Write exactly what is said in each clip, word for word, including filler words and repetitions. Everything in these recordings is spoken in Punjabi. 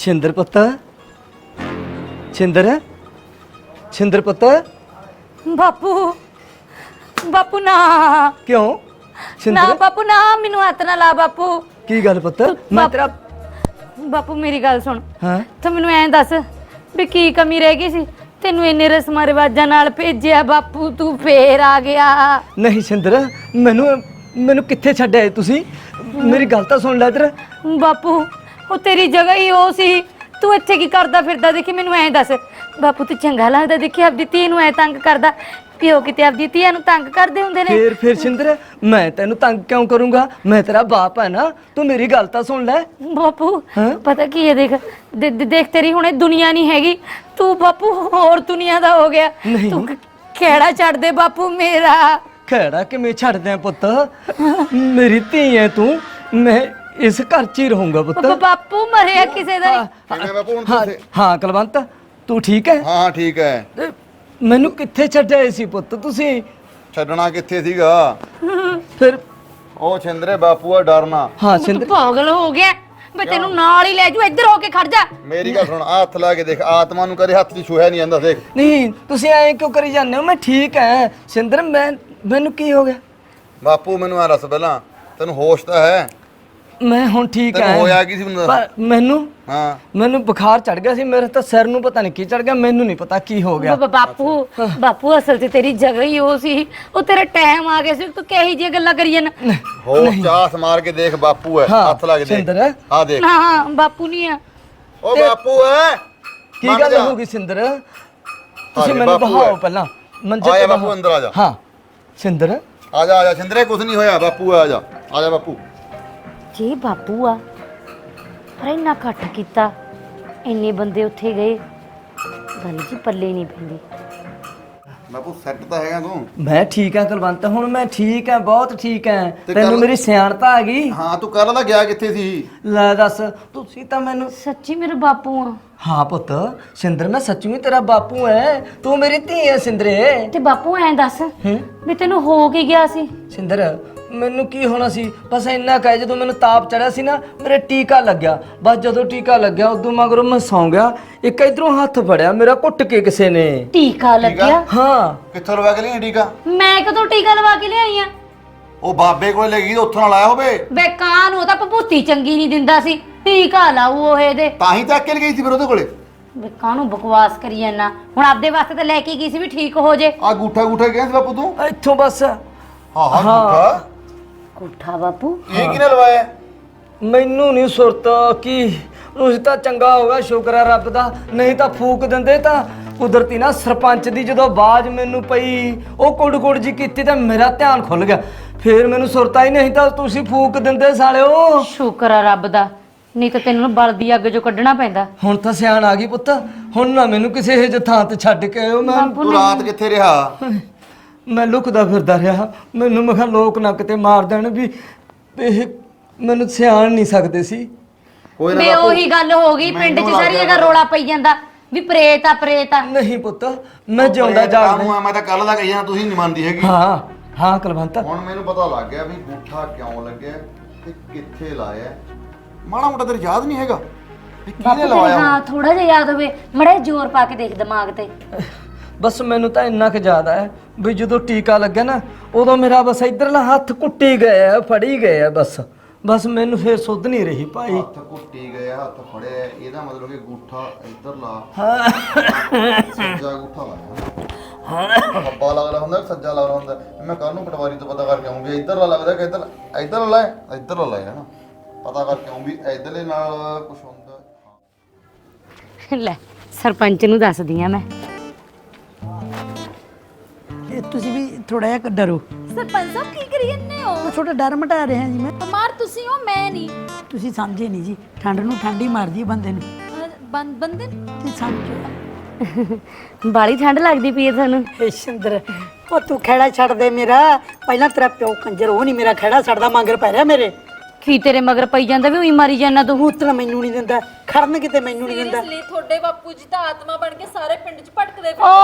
ਛਿੰਦਰ ਪੁੱਤ ਛਿੰਦਰ ਛਿੰਦਰ ਪੁੱਤ ਬਾਪੂ ਬਾਪੂ ਨਾ ਕਿਉਂ ਨਾ ਛਿੰਦਰ ਬਾਪੂ ਨਾ ਮੈਨੂੰ ਹੱਥ ਨਾ ਲਾ ਬਾਪੂ। ਕੀ ਗੱਲ ਪੁੱਤ ਮੈਂ ਬਾਪ- ਤੇਰਾ ਬਾਪੂ ਮੇਰੀ ਗੱਲ ਸੁਣ ਹਾਂ ਤੂੰ ਮੈਨੂੰ ਐਂ ਦੱਸ ਵੀ ਕੀ ਕਮੀ ਰਹਿ ਗਈ ਸੀ ਤੈਨੂੰ ਇੰਨੇ ਰਸਮਾਂ ਰਿਵਾਜਾਂ ਨਾਲ ਭੇਜਿਆ ਬਾਪੂ ਤੂੰ ਫੇਰ ਆ ਗਿਆ। ਨਹੀਂ ਛਿੰਦਰ ਮੈਨੂੰ ਮੈਨੂੰ ਕਿੱਥੇ ਛੱਡ ਆਏ ਤੁਸੀਂ ਮੇਰੀ ਗੱਲ ਤਾਂ ਸੁਣ ਲੈ ਇੱਧਰ ਬਾਪੂ ਉਹ ਤੇਰੀ ਜਗ੍ਹਾ ਹੀ ਉਹ ਸੀ ਤੂੰ ਇੱਥੇ ਕੀ ਕਰਦਾ ਫਿਰਦਾ ਦੇਖੀ ਮੈਨੂੰ ਐਂ ਦੱਸ ਬਾਪੂ ਤੂੰ ਚੰਗਾ ਲੱਗਦਾ ਦੇਖੀ ਆਪਦੀ ਧੀ ਨੂੰ ਐ ਤੰਗ ਕਰਦਾ ਪਿਓ ਕਿਤੇ ਆਪਦੀ ਧੀਆਂ ਨੂੰ ਤੰਗ ਕਰਦੇ ਹੁੰਦੇ ਨੇ। ਫੇਰ ਫੇਰ ਛਿੰਦਰ ਮੈਂ ਤੈਨੂੰ ਤੰਗ ਕਿਉਂ ਕਰੂੰਗਾ ਮੈਂ ਤੇਰਾ ਬਾਪ ਹੈ ਨਾ ਤੂੰ ਮੇਰੀ ਗੱਲ ਤਾਂ ਸੁਣ ਲੈ ਬਾਪੂ ਹਾਂ? ਪਤਾ ਕੀ ਹੈ ਦੇਖ ਦੇ- ਦੇ- ਦੇਖ ਤੇਰੀ ਹੁਣੇ ਦੁਨੀਆ ਨਹੀਂ ਹੈਗੀ ਤੂੰ ਬਾਪੂ ਹੋਰ ਦੁਨੀਆ ਦਾ ਹੋ ਗਿਆ ਨਹੀਂ। ਤੂੰ ਕ- ਖਹਿੜਾ ਛੱਡ ਦੇ ਬਾਪੂ ਮੇਰਾ। ਖੈੜਾ ਕਿਵੇਂ ਛੱਡ ਦਿਆਂ ਪੁੱਤ ਮੇਰੀ ਧੀ ਹੈ ਤੂੰ ਮੈਂ ਇਸ ਘਰ 'ਚ ਹੀ ਰਹੂੰਗਾ ਪੁੱਤ ਬ- ਬਾਪੂ ਮਰਿਆ ਕਿਸੇ ਦਾ ਨਹੀਂ। ਕਿਵੇਂ ਬਾਪੂ ਹੁਣ ਹਾਂ ਤੁਸੀਂ? ਹਾਂ ਕੁਲਵੰਤ ਤੂੰ ਠੀਕ ਹੈ ਹਾਂ ਠੀਕ ਹੈ। ਤੇ ਮੈਨੂੰ ਕਿੱਥੇ ਛੱਡਿਆ ਸੀ ਪੁੱਤ ਤੁਸੀਂ ਛੱਡਣਾ ਕਿੱਥੇ ਸੀਗਾ? ਫਿਰ ਉਹ ਛਿੰਦਰੇ ਬਾਪੂ ਆ ਡਰਨਾ। ਹਾਂ ਤੂੰ ਛਿੰਦਰ ਪਾਗਲ ਹੋ ਗਿਆ ਮੈਂ ਤੈਨੂੰ ਨਾਲ ਹੀ ਲੈ ਜੂ ਇੱਧਰ ਹੋ ਕੇ ਖੜ ਜਾ। ਮੇਰੀ ਗੱਲ ਸੁਣ ਆ ਹੱਥ ਲਾ ਕੇ ਦੇਖ ਆਤਮਾ ਨੂੰ ਕਦੇ ਹੱਥ 'ਚ ਛੂਹਿਆ ਨਹੀਂ ਜਾਂਦਾ ਦੇਖ। ਨਹੀਂ ਤੁਸੀਂ ਐਂ ਕਿਉਂ ਕਰੀ ਜਾਂਦੇ ਹੋ ਮੈਂ ਠੀਕ ਹੈ ਛਿੰਦਰ ਮੈਂ ਮੈਨੂੰ ਕੀ ਹੋ ਗਿਆ ਬਾਪੂ ਮੈਨੂੰ ਆ ਦੱਸ ਪਹਿਲਾਂ ਤੈਨੂੰ ਹੋਸ਼ ਤਾਂ ਹੈ? ਮੈਂ ਹੁਣ ਠੀਕ ਤੈਨੂੰ ਹੈ ਹੋਇਆ ਕੀ ਸੀ ਮੈਨੂੰ ਦੱਸ? ਪਰ ਮੈਨੂੰ ਹਾਂ ਮੈਨੂੰ ਬੁਖਾਰ ਚੜ ਗਿਆ ਸੀ ਮੇਰੇ ਤਾਂ ਸਿਰ ਨੂੰ ਪਤਾ ਨਹੀਂ ਕੀ ਚੜ ਗਿਆ ਮੈਨੂੰ ਨਹੀਂ ਪਤਾ ਕੀ ਹੋ ਗਿਆ ਬ- ਬਾਪੂ ਬਾਪੂ ਅਸਲ 'ਚ ਤੇਰੀ ਜਗ੍ਹਾ ਹੀ ਉਹ ਸੀ ਉਹ ਤੇਰਾ ਟਾਈਮ ਆ ਗਿਆ ਸੀ ਤੂੰ ਕਿਹੋ ਜਿਹੀਆਂ ਗੱਲਾਂ ਕਰੀ ਜਾਂਦਾ। ਹੋਸ਼ ਚਾਸ ਮਾਰ ਕੇ ਦੇਖ ਬਾਪੂ ਹੈ ਹਾਂ, ਹੱਥ ਲਾ ਕੇ ਦੇਖ ਛਿੰਦਰ। ਆ ਦੇਖ ਨਾ ਬਾਪੂ ਨਹੀਂ ਆ। ਉਹ ਬਾਪੂ ਹੈ ਕੀ ਮੰਨ ਗੱਲ ਜਾ। ਹੋ ਗਈ ਸਿੰਦਰ ਤੁਸੀਂ ਹਾਂਜੀ, ਮੈਨੂੰ ਬਾਪੂ ਬਹਾਓ ਹੈ। ਪਹਿਲਾਂ ਮੰਜੇ ਆ ਜਾ ਤੇ ਬਾਪੂ ਬਹਾਓ। ਅੰਦਰ ਆ ਜਾ। ਹਾਂ ਸਿੰਦਰ ਆ ਜਾ ਆ ਜਾ ਛਿੰਦਰੇ ਕੁਝ ਨਹੀਂ ਹੋਇਆ ਬਾਪੂ ਆ ਜਾ ਆ ਜਾ ਬਾਪੂ। ਜੇ ਬਾਪੂ ਆ ਪਰ ਇੰਨਾ ਘੱਟ ਕੀਤਾ ਇੰਨੇ ਬੰਦੇ ਉੱਥੇ ਗਏ ਗੱਲ ਜੀ ਪੱਲੇ ਨਹੀਂ ਪੈਂਦੀ। ਬਾਪੂ ਸੈੱਟ ਤਾਂ ਹੈਗਾ ਤੂੰ? ਮੈਂ ਠੀਕ ਹਾਂ ਕੁਲਵੰਤ ਹੁਣ ਮੈਂ ਠੀਕ ਹਾਂ ਬਹੁਤ ਠੀਕ ਹਾਂ ਤੇ ਤੈਨੂੰ ਕੱਲ੍ਹ- ਮੇਰੀ ਸਿਆਣਤਾ ਆ ਗਈ ਹਾਂ ਤੂੰ ਕੱਲ ਦਾ ਗਿਆ ਕਿੱਥੇ ਸੀ? ਲੈ ਦੱਸ ਤੁਸੀਂ ਤਾਂ ਮੈਨੂੰ ਸੱਚੀ ਮੇਰੇ ਬਾਪੂ ਆ ਹਾਂ ਪੁੱਤ ਸਿੰਦਰ ਮੈਂ ਸੱਚੀ ਤੇਰਾ ਬਾਪੂ ਐ ਤੂੰ ਮੇਰੀ ਧੀ ਐ ਸਿੰਦਰੇ ਤੇ ਬਾਪੂ ਐਂ ਦੱਸ ਹੂੰ ਵੀ ਤੈਨੂੰ ਹੋ ਕੀ ਗਿਆ ਸੀ? ਸਿੰਦਰ ਮੈਨੂੰ ਕੀ ਹੋਣਾ ਸੀ ਬਸ ਇੰਨਾ ਕਹਿ ਜਦੋਂ ਮੈਨੂੰ ਤਾਪ ਚੜਿਆ ਸੀ ਨਾ ਮੇਰੇ ਟੀਕਾ ਲੱਗਿਆ ਬਸ ਜਦੋਂ ਟੀਕਾ ਲੱਗਿਆ ਉਦੋਂ ਮਗਰੋਂ ਮੈਂ ਸੌਂ ਗਿਆ ਇੱਕ ਇਧਰੋਂ ਹੱਥ ਫੜਿਆ ਮੇਰਾ ਘੁੱਟ ਕੇ ਕਿਸੇ ਨੇ ਟੀਕਾ ਲੱਗਿਆ? ਹਾਂ ਕਿੱਥੋਂ ਲਵਾ ਕੇ ਲਈ ਟੀਕਾ? ਮੈਂ ਕਦੋਂ ਟੀਕਾ ਲਵਾ ਕੇ ਲਿਆਈ ਆ? ਉਹ ਬਾਬੇ ਕੋਲ ਲੈ ਗਈ ਉੱਥੋਂ ਨਾਲ ਆਇਆ ਹੋਵੇ ਬੇ ਕਾਂ ਨੂੰ ਤਾਂ ਭਭੂਤੀ ਚੰਗੀ ਨਹੀਂ ਦਿੰਦਾ ਸੀ ਟੀਕਾ ਲਾਊ ਉਹ ਇਹਦੇ। ਤਾਂ ਹੀ ਚੱਕ ਕੇ ਗਈ ਸੀ ਫਿਰ ਉਹਦੇ ਕੋਲੇ। ਬੇ ਕਾਂ ਨੂੰ ਬਕਵਾਸ ਕਰੀ ਜਾਂਦਾ ਹੁਣ ਆਪਦੇ ਵਾਸਤੇ ਤਾਂ ਲੈ ਕੇ ਗਈ ਸੀ ਵੀ ਠੀਕ ਹੋ ਜੇ। ਆ ਗੂਠਾ ਗੂਠਾ ਗਿਆ ਸੀ ਬਾਪੂ ਤੂੰ? ਇੱਥੋਂ ਬਸ ਹਾਂ ਹਾਂ ਗੂਠਾ ਕੋਠਾ ਬਾਪੂ ਇਹ ਕਿਹਨੇ ਲਵਾਇਆ? ਮੈਨੂੰ ਨਹੀਂ ਸੁਰਤ ਕੀ ਉਸ ਤਾਂ ਚੰਗਾ ਹੋ ਗਿਆ ਸ਼ੁਕਰ ਹੈ ਰੱਬ ਦਾ ਨਹੀਂ ਤਾਂ ਫੂਕ ਦਿੰਦੇ ਤਾਂ ਕੁਦਰਤੀ ਨਾ ਸਰਪੰਚ ਦੀ ਜਦੋਂ ਆਵਾਜ਼ ਮੈਨੂੰ ਪਈ ਉਹ ਕੁੜ ਕੁੜ ਜੀ ਕੀਤੀ ਤਾਂ ਮੇਰਾ ਧਿਆਨ ਖੁੱਲ ਗਿਆ ਫੇਰ ਮੈਨੂੰ ਸੁਰਤ ਆਈ ਨਹੀਂ ਤਾਂ ਤੁਸੀਂ ਫੂਕ ਦਿੰਦੇ ਸਾਲਿਓ। ਸ਼ੁਕਰ ਆ ਰੱਬ ਦਾ ਨਹੀਂ ਤਾਂ ਤੈਨੂੰ ਨਾ ਬਲਦੀ ਅੱਗ ਚੋਂ ਕੱਢਣਾ ਪੈਂਦਾ। ਹੁਣ ਤਾਂ ਸਿਆਣ ਆ ਗਈ ਪੁੱਤ ਹੁਣ ਨਾ ਮੈਨੂੰ ਕਿਸੇ ਇਹ ਥਾਂ ਤੇ ਛੱਡ ਕੇ ਆਇਓ ਮੈਂ ਬਾਪੂ ਤੂੰ ਨੇ ਰਾਤ ਕਿੱਥੇ ਰਿਹਾ? ਮੈਂ ਲੁਕਦਾ ਫਿਰਦਾ ਰਿਹਾ ਮੈਨੂੰ ਮੈਂ ਕਿਹਾ ਲੋਕ ਨਾ ਕਿਤੇ ਮਾਰ ਦੇਣ ਵੀ ਇਹ ਮੈਨੂੰ ਸਿਆਣ ਨਹੀਂ ਸਕਦੇ ਸੀ। ਕੋਈ ਬੇ ਬਾਪੂ, ਉਹੀ ਗੱਲ ਹੋ ਗਈ ਪਿੰਡ 'ਚ ਮੈਨੂੰ ਸਾਰੀ ਲੱਗ ਜਗ੍ਹਾ ਗਿਆ ਰੋਲਾ ਪਈ ਜਾਂਦਾ ਵੀ ਪ੍ਰੇਤ ਆ ਪ੍ਰੇਤ ਆ। ਨਹੀਂ ਪੁੱਤ ਮੈਂ ਜਿਉਂਦਾ ਪ੍ਰੇਤ ਜਾਗਦਾ ਕਾਹਨੂੰ ਆ? ਮੈਂ ਤਾਂ ਕੱਲ ਦਾ ਕਹੀ ਜਾਣਾ ਤੁਸੀਂ ਨਹੀਂ ਮੰਨਦੀ ਹੈਗੀ। ਹਾਂ ਹਾਂ ਕੁਲਵੰਤ ਹੁਣ ਮੈਨੂੰ ਪਤਾ ਲੱਗ ਗਿਆ ਵੀ ਗੂਠਾ ਕਿਉਂ ਲੱਗਿਆ ਤੇ ਕਿੱਥੇ ਲਾਇਆ। ਮਾੜਾ ਮੋਟਾ ਤੇਰੇ ਯਾਦ ਨਹੀਂ ਹੈਗਾ ਵੀ ਬਾਪੂ ਕਿਹਨੇ ਤੇਰੇ ਲਵਾਇਆ? ਹਾਂ ਥੋੜਾ ਜਿਹਾ ਯਾਦ ਹੋਵੇ ਮੜੇ ਜ਼ੋਰ ਪਾ ਕੇ ਦੇਖ ਦਿਮਾਗ ਤੇ। ਬਸ ਮੈਨੂੰ ਤਾਂ ਇੰਨਾ ਕੁ ਯਾਦ ਹੈ ਵੀ ਜਦੋਂ ਟੀਕਾ ਲੱਗਿਆ ਨਾ ਉਦੋਂ ਮੇਰਾ ਬਸ ਇਧਰਲਾ ਹੱਥ ਕੁੱਟੀ ਗਿਆ ਫੜੀ ਗਿਆ ਬਸ ਬਸ ਮੈਨੂੰ ਫੇਰ ਸੁੱਧ ਨਹੀਂ ਰਹੀ ਭਾਈ। ਹੱਥ ਕੁੱਟੀ ਗਿਆ ਹੱਥ ਫੜਿਆ ਇਹਦਾ ਮਤਲਬ ਕਿ ਗੂਠਾ ਇੱਧਰ ਲਾ ਹਾਂ ਸੱਜਾ ਗੂਠਾ ਲਾਇਆ ਖੱਬਾ ਲੱਗਦਾ ਹੁੰਦਾ ਕਿ ਸੱਜਾ ਲੱਗਦਾ ਹੁੰਦਾ। ਮੈਂ ਕੱਲ ਨੂੰ ਪਟਵਾਰੀ ਤੋਂ ਪਤਾ ਕਰਕੇ ਆਉਂ ਵੀ ਇੱਧਰਲਾ ਲੱਗਦਾ ਕਿ ਇੱਧਰ ਇੱਧਰ ਲਾਇਆ ਇੱਧਰਲਾ ਲਾਇਆ ਨਾ ਪਤਾ ਕਰਕੇ ਆਉਂ ਵੀ ਇੱਧਰਲੇ ਨਾਲ ਕੁਝ ਹੁੰਦਾ। ਲੈ ਸਰਪੰਚ ਨੂੰ ਦੱਸਦੀ ਆ ਮੈਂ। ਇਹ ਤੁਸੀਂ ਵੀ ਥੋੜਾ ਜਿਹਾ ਡਰੋ ਸਰਪੰਚ ਸਾਹਿਬ ਕੀ ਕਰੀ ਜੰਨੇ ਹੋ? ਮੈਂ ਥੋੜਾ ਡਰ ਮਟਾ ਰਿਹਾ ਜੀ ਮੈਂ ਬਿਮਾਰ ਤੁਸੀਂ ਹੋ ਮੈਂ ਨਹੀਂ। ਤੁਸੀਂ ਸਮਝੇ ਨਹੀਂ ਜੀ ਠੰਡ ਨੂੰ ਠੰਡੀ ਮਾਰਦੀ ਹੈ ਬੰਦੇ ਨੂੰ ਅਹ ਬੰ- ਬੰਦੇ ਨੂੰ- ਤੁਸੀਂ ਸਮਝੋ ਬਾਲੀ ਠੰਡ ਲੱਗਦੀ ਪਈ ਹੈ ਤੁਹਾਨੂੰ। ਏ ਸ਼ਿੰਦਰ ਉਹ ਤੂੰ ਖੇੜਾ ਛੱਡ ਦੇ ਮੇਰਾ ਪਹਿਲਾਂ ਤੇਰਾ ਪਿਓ ਕੰਜਰ ਉਹ ਨਹੀਂ ਮੇਰਾ ਖੇੜਾ ਛੱਡਦਾ ਮੰਗਰ ਪੈ ਰਿਹਾ ਮੇਰੇ ਕੀ ਤੇਰੇ ਮਗਰ ਪਈ ਜਾਂਦਾ ਵੀ ਉਹੀ ਮਾਰੀ ਜਾਂਦਾ ਤੂੰ। ਮੂਤਰ ਮੈਨੂੰ ਨਹੀਂ ਦਿੰਦਾ ਖੜਨ ਕਿਤੇ ਮੈਨੂੰ ਨਹੀਂ ਦਿੰਦਾ ਸੀਰੀਅਸਲੀ ਤੁਹਾਡੇ ਬਾਪੂ ਜੀ ਤਾਂ ਆਤਮਾ ਬਣ ਕੇ ਸਾਰੇ ਪਿੰਡ 'ਚ ਭਟਕਦੇ ਪਏ।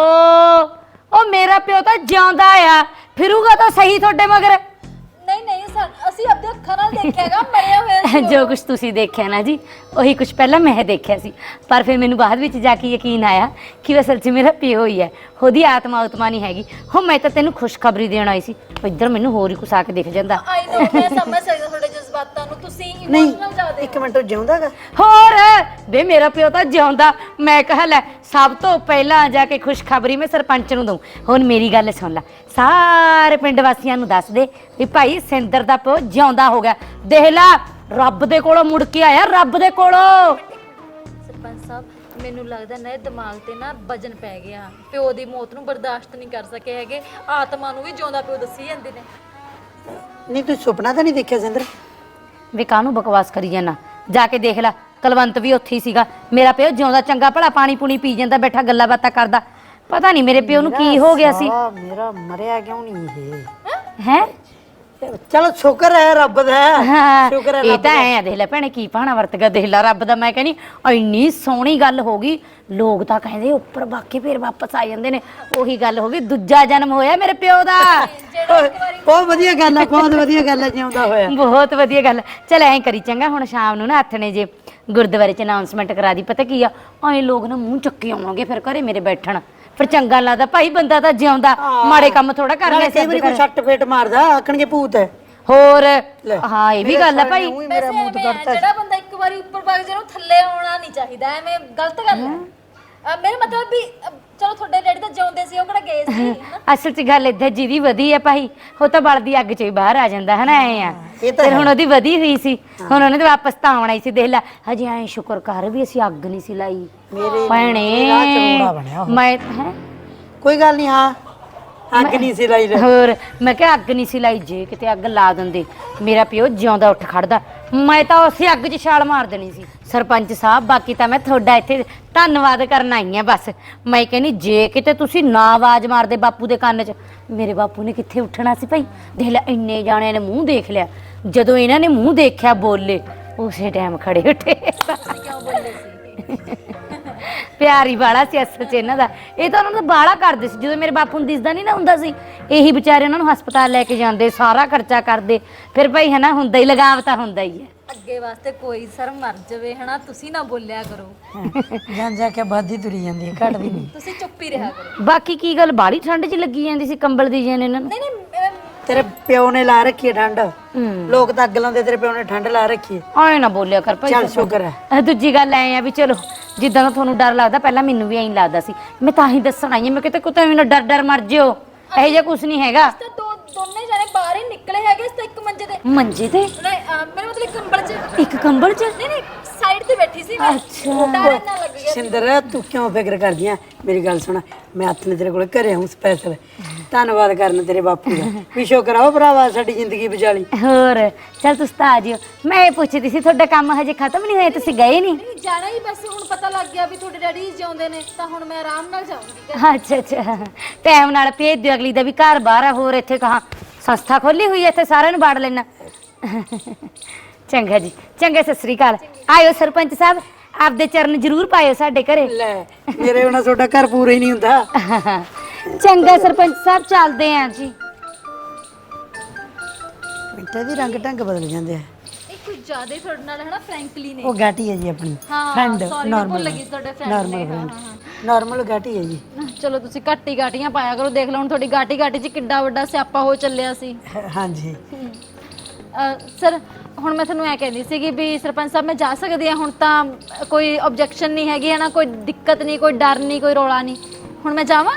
ਓਹੋ ਉਹ ਮੇਰਾ ਪਿਓ ਤਾਂ ਜਿਉਂਦਾ ਆ ਫਿਰੂਗਾ ਤਾਂ ਸਹੀ ਤੁਹਾਡੇ ਮਗਰ। ਨਹੀਂ ਨਹੀਂ ਸਾ- ਅਸੀਂ ਆਪਦੇ ਅੱਖਾਂ ਨਾਲ ਦੇਖਿਆਗਾ ਮਰਿਆ ਹੋਇਆ ਸੀ ਉਹ। ਜੋ ਕੁਝ ਤੁਸੀਂ ਦੇਖਿਆ ਨਾ ਜੀ ਉਹੀ ਕੁਝ ਪਹਿਲਾਂ ਮੈਂ ਦੇਖਿਆ ਸੀ, ਪਰ ਫਿਰ ਮੈਨੂੰ ਬਾਅਦ ਵਿੱਚ ਜਾ ਕੇ ਯਕੀਨ ਆਇਆ ਕਿ ਉਹ ਅਸਲ 'ਚ ਮੇਰਾ ਪਿਓ ਹੀ ਹੈ, ਉਹਦੀ ਆਤਮਾ ਉਤਮਾ ਨਹੀਂ ਹੈਗੀ। ਹੋ ਮੈਂ ਤਾਂ ਤੈਨੂੰ ਖੁਸ਼ਖਬਰੀ ਦੇਣ ਆਈ ਸੀ, ਇੱਧਰ ਮੈਨੂੰ ਹੋਰ ਹੀ ਕੁਛ ਆ ਕੇ ਦਿਖ ਜਾਂਦਾ। ਆਈ ਨੋ ਮੈਂ ਸਮਝ ਸਕਦਾ ਤੁਹਾਡੇ ਜਜ਼ਬਾਤਾਂ ਨੂੰ, ਤੁਸੀਂ ਨਹੀਂ ਇਮੋਸ਼ਨਲ ਜ਼ਿਆਦੇ ਇੱਕ ਮਿੰਟ ਉਹ ਜਿਉਂਦਾਗਾ? ਹੋਰ ਵੇ ਮੇਰਾ ਪਿਓ ਤਾਂ ਜਿਉਂਦਾ। ਮੈਂ ਕਹਾ ਲੈ ਸਭ ਤੋਂ ਪਹਿਲਾਂ ਜਾ ਕੇ ਖੁਸ਼ਖਬਰੀ ਮੈਂ ਸਰਪੰਚ ਨੂੰ ਦਊਂ। ਹੁਣ ਮੇਰੀ ਗੱਲ ਸੁਣ ਲੈ, ਸਾਰੇ ਪਿੰਡ ਵਾਸੀਆਂ ਨੂੰ ਦੱਸ ਦੇ ਵੀ ਭਾਈ ਸਿੰਦਰ ਦਾ ਪਿਓ ਜਿਉਂਦਾ ਹੋ ਗਿਆ। ਦੇਖ ਲੈ ਰੱਬ ਦੇ ਕੋਲੋਂ ਮੁੜ ਕੇ ਆਇਆ, ਰੱਬ ਦੇ ਕੋਲੋਂ। ਸਰਪੰਚ ਸਾਹਿਬ ਮੈਨੂੰ ਲੱਗਦਾ ਨਾ ਇਹ ਦਿਮਾਗ ਤੇ ਨਾ ਵਜਨ ਪੈ ਗਿਆ, ਪਿਓ ਦੀ ਮੌਤ ਨੂੰ ਬਰਦਾਸ਼ਤ ਨਹੀਂ ਕਰ ਸਕੇ ਹੈਗੇ, ਆਤਮਾ ਨੂੰ ਵੀ ਜਿਉਂਦਾ ਪਿਓ ਦੱਸੀ ਜਾਂਦੇ ਨੇ। ਨਹੀਂ ਤੂੰ ਸੁਪਨਾ ਤਾਂ ਨਹੀਂ ਦੇਖਿਆ ਸਿੰਦਰ? ਵੇ ਕਾਹਨੂੰ ਬਕਵਾਸ ਕਰੀ ਜਾਣਾ, ਜਾ ਕੇ ਦੇਖ ਲੈ ਕਲਵੰਤ ਵੀ ਉੱਥੇ ਹੀ ਸੀਗਾ। ਮੇਰਾ ਪਿਓ ਜਿਉਂਦਾ ਚੰਗਾ ਭਲਾ ਪਾਣੀ ਪੂਣੀ ਪੀ ਜਾਂਦਾ, ਬੈਠਾ ਗੱਲਾਂ ਬਾਤਾਂ ਕਰਦਾ। ਪਤਾ ਨਹੀਂ ਮੇਰੇ ਪਿਓ ਨੂੰ ਕੀ ਹੋ ਗਿਆ ਸੀ। ਸਾਲਾ ਮੇਰਾ ਮਰਿਆ ਕਿਉਂ ਨਹੀਂ ਇਹ? ਹੈ ਚਲੋ ਸ਼ੁਕਰ ਹੈ ਰੱਬ ਦਾ, ਸ਼ੁਕਰ ਹੈ ਇਹ ਰੱਬ ਤਾਂ ਦਾ। ਐ ਆ, ਦੇਖ ਲੈ ਭੈਣੇ ਕੀ ਭਾਣਾ ਵਰਤ ਗਿਆ, ਦੇਖ ਲੈ ਰੱਬ ਦਾ। ਮੈਂ ਕਹਿੰਦੀ ਇੰਨੀ ਸੋਹਣੀ ਗੱਲ ਹੋ ਗਈ, ਲੋਕ ਤਾਂ ਕਹਿੰਦੇ ਉੱਪਰ ਬਾਕੀ ਫੇਰ ਵਾਪਸ ਆ ਜਾਂਦੇ ਨੇ। ਉਹੀ ਗੱਲ ਹੋ ਗਈ, ਦੂਜਾ ਜਨਮ ਹੋਇਆ ਮੇਰੇ ਪਿਓ ਦਾ। ਬਹੁਤ ਵਧੀਆ ਗੱਲ ਹੈ, ਬਹੁਤ ਵਧੀਆ ਗੱਲ ਹੈ, ਜਿਉਂਦਾ ਹੋਇਆ। ਬਹੁਤ ਵਧੀਆ ਗੱਲ। ਚਲ ਐਂ ਕਰੀ ਚੰਗਾ, ਹੁਣ ਸ਼ਾਮ ਨੂੰ ਨਾ ਹੱਥ ਨੇ ਜੇ ਗੁਰਦੁਆਰੇ 'ਚ ਅਨਾਉਂਸਮੈਂਟ ਕਰਾ ਦੀ। ਪਤਾ ਕੀ ਆ, ਐਂ ਲੋਕ ਨਾ ਮੂੰਹ ਚੱਕੇ ਆਉਣਗੇ ਫਿਰ ਘਰੇ ਮੇਰੇ ਬੈਠਣ, ਫਿਰ ਚੰਗਾ ਲੱਗਦਾ। ਭਾਈ ਬੰਦਾ ਤਾਂ ਜਿਉਂਦਾ, ਮਾੜੇ ਕੰਮ ਥੋੜਾ ਕਰਨੇ। ਕਈ ਵਾਰੀ ਕੋਈ ਛੱਟ ਫੇਟ ਮਾਰਦਾ ਆਖਣਗੇ ਭੂਤ ਹੈ। ਹੋਰ ਹਾਂ ਇਹ ਵੀ ਗੱਲ ਹੈ ਭਾਈ। ਵੈਸੇ ਐਵੇਂ ਆ, ਜਿਹੜਾ ਬੰਦਾ ਇੱਕ ਵਾਰੀ ਉੱਪਰ ਵਗ ਜਾਏ ਉਹਨੂੰ ਥੱਲੇ ਆਉਣਾ ਨਹੀਂ ਚਾਹੀਦਾ, ਐਵੇਂ ਗਲਤ ਗੱਲ ਹੈ। ਅਹ ਮੇਰੇ ਮਤਲਬ ਵੀ ਅਹ ਚਲੋ ਤੁਹਾਡੇ ਡੈਡੀ ਤਾਂ ਜਿਉਂਦੇ ਸੀ, ਉਹ ਕਿਹੜਾ ਗਏ ਸੀ ਹਨਾ? ਅਸਲ 'ਚ ਗੱਲ ਏਦਾਂ ਜਿਹਦੀ ਵਧੀ ਹੈ ਭਾਈ, ਉਹ ਤਾਂ ਬਲਦੀ ਅੱਗ 'ਚ ਹੀ ਬਾਹਰ ਆ ਜਾਂਦਾ ਹੈ ਨਾ। ਐ ਆ ਇਹ ਤਾਂ ਫਿਰ ਹੁਣ ਉਹਦੀ ਵਧੀ ਹੋਈ ਸੀ, ਹੁਣ ਉਹਨੇ ਤਾਂ ਵਾਪਸ ਤਾਂ ਆਉਣਾ ਹੀ ਸੀ। ਦੇਖ ਲੈ ਹਜੇ ਐ ਸ਼ੁਕਰ ਕਰ ਵੀ ਅਸੀਂ ਅੱਗ ਨਹੀਂ ਸੀ ਲਾਈ ਭੈਣੇ। ਮੈਂ ਹੈ ਕੋਈ ਗੱਲ ਨਹੀਂ, ਹਾਂ ਅੱਗ ਨਹੀਂ ਸੀ ਲਾਈ। ਹੋਰ ਮੈਂ ਕਿਹਾ ਅੱਗ ਨਹੀਂ ਸੀ ਲਾਈ, ਜੇ ਕਿਤੇ ਅੱਗ ਲਾ ਦਿੰਦੇ ਮੇਰਾ ਪਿਓ ਜਿਉਂਦਾ ਉੱਠ ਖੜਦਾ, ਮੈਂ ਤਾਂ ਉਸੇ ਅੱਗ 'ਚ ਛਾਲ ਮਾਰ ਦੇਣੀ ਸੀ। ਸਰਪੰਚ ਸਾਹਿਬ ਬਾਕੀ ਤਾਂ ਮੈਂ ਤੁਹਾਡਾ ਇੱਥੇ ਧੰਨਵਾਦ ਕਰਨ ਆਈ ਆ ਬਸ। ਮੈਂ ਕਹਿੰਦੀ ਜੇ ਕਿਤੇ ਤੁਸੀਂ ਨਾ ਆਵਾਜ਼ ਮਾਰਦੇ ਬਾਪੂ ਦੇ ਕੰਨ 'ਚ, ਮੇਰੇ ਬਾਪੂ ਨੇ ਕਿੱਥੇ ਉੱਠਣਾ ਸੀ ਭਾਈ। ਦੇਖ ਲੈ ਇੰਨੇ ਜਾਣਿਆਂ ਨੇ ਮੂੰਹ ਦੇਖ ਲਿਆ, ਜਦੋਂ ਇਹਨਾਂ ਨੇ ਮੂੰਹ ਦੇਖਿਆ ਬੋਲੇ, ਉਸੇ ਟਾਈਮ ਖੜੇ ਉੱਠੇ। ਕਿਉਂ ਬੋਲੇ ਸੀ? ਪਿਆਰੀ ਬਾਲਾ ਸੀ ਅਸਲ 'ਚ ਇਹਨਾਂ ਦਾ। ਇਹ ਤਾਂ ਉਹਨਾਂ ਦਾ ਬਾਲਾ ਕਰਦੇ ਸੀ, ਜਦੋਂ ਮੇਰੇ ਬਾਪੂ ਨੂੰ ਦਿਸਦਾ ਨਹੀਂ ਨਾ ਹੁੰਦਾ ਸੀ, ਇਹੀ ਵਿਚਾਰੇ ਉਹਨਾਂ ਨੂੰ ਹਸਪਤਾਲ ਲੈ ਕੇ ਜਾਂਦੇ, ਸਾਰਾ ਖਰਚਾ ਕਰਦੇ। ਫਿਰ ਭਾਈ ਹੈ ਨਾ ਹੁੰਦਾ ਹੀ, ਲਗਾਵ ਤਾਂ ਹੁੰਦਾ ਹੀ ਹੈ। ਅੱਗੇ ਵਾਸਤੇ ਕੋਈ ਸਰ ਮਰ ਜਾਵੇ ਹਨਾ, ਤੁਸੀਂ ਨਾ ਬੋਲਿਆ ਕਰੋ। ਜਾਂ ਜਾ ਕੇ ਬਾਦੀ ਤੁਰੀ ਜਾਂਦੀ ਹੈ, ਘਟ ਵੀ ਨਹੀਂ। ਤੁਸੀਂ ਚੁੱਪ ਹੀ ਰਿਹਾ ਕਰੋ। ਬਾਕੀ ਕੀ ਗੱਲ ਬਾੜੀ ਠੰਡ 'ਚ ਲੱਗੀ ਜਾਂਦੀ ਸੀ, ਕੰਬਲ ਦੀ ਜਨ ਇਹਨਾਂ ਨੂੰ। ਨਹੀਂ ਨਹੀਂ ਅਹ ਤੇਰੇ ਪਿਓ ਨੇ ਲਾ ਰੱਖੀ ਹੈ ਠੰਡ, ਲੋਕ ਤਾਂ ਅੱਗ ਲਾਉਂਦੇ, ਤੇਰੇ ਪਿਓ ਨੇ ਠੰਡ ਲਾ ਰੱਖੀ ਹੈ। ਆਏ ਨਾ ਬੋਲਿਆ ਕਰ ਭਾਈ। ਚੱਲ ਸ਼ੁਕਰ ਹੈ। ਅਹ ਦੂਜੀ ਗੱਲ ਐ ਆ ਵੀ ਚਲੋ ਜਿੱਦਾਂ ਦਾ ਤੁਹਾਨੂੰ ਡਰ ਲੱਗਦਾ, ਪਹਿਲਾਂ ਮੈਨੂੰ ਵੀ ਐਂ ਲੱਗਦਾ ਸੀ। ਮੈਂ ਤਾਂ ਹੀ ਦੱਸਣ ਆਈ ਹਾਂ, ਮੈਂ ਕਿਤੇ ਕੁੱਤੇ ਮੈਨੂੰ ਡਰ ਡਰ ਮਰ ਜਿਓ, ਇਹੋ ਜਿਹਾ ਕੁਝ ਨਹੀਂ ਹੈਗਾ। ਤਾਂ ਦੋ ਦੋਨੇ ਜਾਣੇ ਬਾਹਰ ਹੀ ਨਿਕਲੇ ਹੈਗੇ ਇਸ ਤਾਂ ਇੱਕ ਮੰਜੇ ਤੇ। ਮੰਜੇ ਤੇ ਨਹੀਂ ਅਹ ਮੇਰੇ ਮਤਲਬ ਕੰਬਲ 'ਚ। ਇੱਕ ਕੰਬਲ 'ਚ। ਨਹੀਂ ਨਹੀਂ ਸਾਈਡ ਤੇ ਬੈਠੀ ਸੀ ਮੈਂ। ਅੱਛਾ। ਡਰ ਇੰਨਾ ਲੱਗ ਗਿਆ। ਸਿੰਦਰ ਤੂੰ ਕਿਉਂ ਫਿਕਰ ਕਰਦੀ ਆ? ਮੇਰੀ ਗੱਲ ਸੁਣ, ਮੈਂ ਹੱਥ ਨੇ ਤੇਰੇ ਕੋਲ ਘਰੇ ਆਉਂ ਸਪੈਸ਼ਲ ਧੰਨਵਾਦ ਕਰਨ ਤੇਰੇ ਬਾਪੂ ਦਾ, ਵੀ ਸ਼ੁਕਰ ਆ ਉਹ ਭਰਾਵਾ ਸਾਡੀ ਜ਼ਿੰਦਗੀ ਬਚਾਲੀ। ਹੋਰ ਚੱਲ ਤੁਸੀਂ ਤਾਂ ਆ ਜਿਓ। ਮੈਂ ਇਹ ਪੁੱਛਦੀ ਸੀ ਤੁਹਾਡਾ ਕੰਮ ਹਜੇ ਖਤਮ ਨਹੀਂ ਹੋਇਆ, ਤੁਸੀਂ ਗਏ ਨਹੀਂ? ਨਹੀਂ ਜਾਣਾ ਹੀ ਬਸ, ਹੁਣ ਪਤਾ ਲੱਗ ਗਿਆ ਵੀ ਤੁਹਾਡੇ ਡੈਡੀ ਜਿਉਂਦੇ ਨੇ ਤਾਂ ਹੁਣ ਮੈਂ ਆਰਾਮ ਨਾਲ ਜਾਊਂਗੀ। ਅੱਛਾ ਅੱਛਾ, ਟਾਈਮ ਨਾਲ ਭੇਜ ਦਿਓ, ਅਗਲੀ ਦਾ ਵੀ ਘਰ ਬਾਹਰ ਆ। ਹੋਰ ਇੱਥੇ ਕਹਾਂ ਸੰਸਥਾ ਖੋਲੀ ਹੋਈ ਹੈ, ਇੱਥੇ ਸਾਰਿਆਂ ਨੂੰ ਬਾੜ ਲੈਣਾ। ਚੰਗਾ ਜੀ, ਚੰਗਾ, ਸਤਿ ਸ੍ਰੀ ਅਕਾਲ। ਆਇਓ ਸਰਪੰਚ ਸਾਹਿਬ, ਆਪਦੇ ਚਰਨ ਜ਼ਰੂਰ ਪਾਇਓ ਸਾਡੇ ਘਰੇ। ਲੈ ਮੇਰੇ ਬਿਨਾਂ ਤੁਹਾਡਾ ਘਰ ਪੂਰਾ ਹੀ ਨਹੀਂ ਹੁੰਦਾ। ਚੰਗਾ ਸਰਪੰਚ ਸਾਹਿਬ, ਚੱਲਦੇ ਆਂ ਜੀ। ਮਿੰਟਾਂ ਦੀ ਰੰਗ ਢੰਗ ਬਦਲ ਜਾਂਦੇ ਆ। ਇਹ ਕੁਝ ਜ਼ਿਆਦਾ ਹੀ ਤੁਹਾਡੇ ਨਾਲ ਹੈ ਨਾ ਫ੍ਰੈਂਕਲੀ ਨੇ। ਉਹ ਗਾਟੀ ਹੈ ਜੀ ਆਪਣੀ ਹਾਂ ਫਰੈਂਡ, ਸੌਰੀ ਮੈਂ ਭੁੱਲ ਗਈ ਤੁਹਾਡੇ ਫਰੈਂਡ ਨਾਰਮਲ ਨੇ। ਫਰੈਂਡ, ਹਾਂ ਨਾਰਮਲ ਗਾਟੀ ਹੈ ਜੀ। ਹਾਂ ਚਲੋ ਤੁਸੀਂ ਘੱਟੀ ਗਾਟੀਆਂ ਪਾਇਆ ਕਰੋ, ਦੇਖ ਲਓ ਹੁਣ ਤੁਹਾਡੀ ਗਾਟੀ ਗਾਟੀ 'ਚ ਕਿੱਡਾ ਵੱਡਾ ਸਿਆਪਾ ਹੋ ਚੱਲਿਆ ਸੀ। ਹਾਂਜੀ ਸਰ ਹੁਣ ਮੈਂ ਤੁਹਾਨੂੰ ਇਹ ਕਹਿੰਦੀ ਸੀਗੀ ਵੀ ਸਰਪੰਚ ਸਾਹਿਬ ਮੈਂ ਜਾ ਸਕਦੀ ਹਾਂ ਹੁਣ? ਤਾਂ ਕੋਈ ਆਬਜੈਕਸ਼ਨ ਨਹੀਂ ਹੈਗੀ ਹੈ ਨਾ, ਕੋਈ ਦਿੱਕਤ ਨਹੀਂ, ਕੋਈ ਡਰ ਨਹੀਂ, ਕੋਈ ਰੌਲਾ ਨਹੀਂ, ਹੁਣ ਮੈਂ ਜਾਵਾਂ?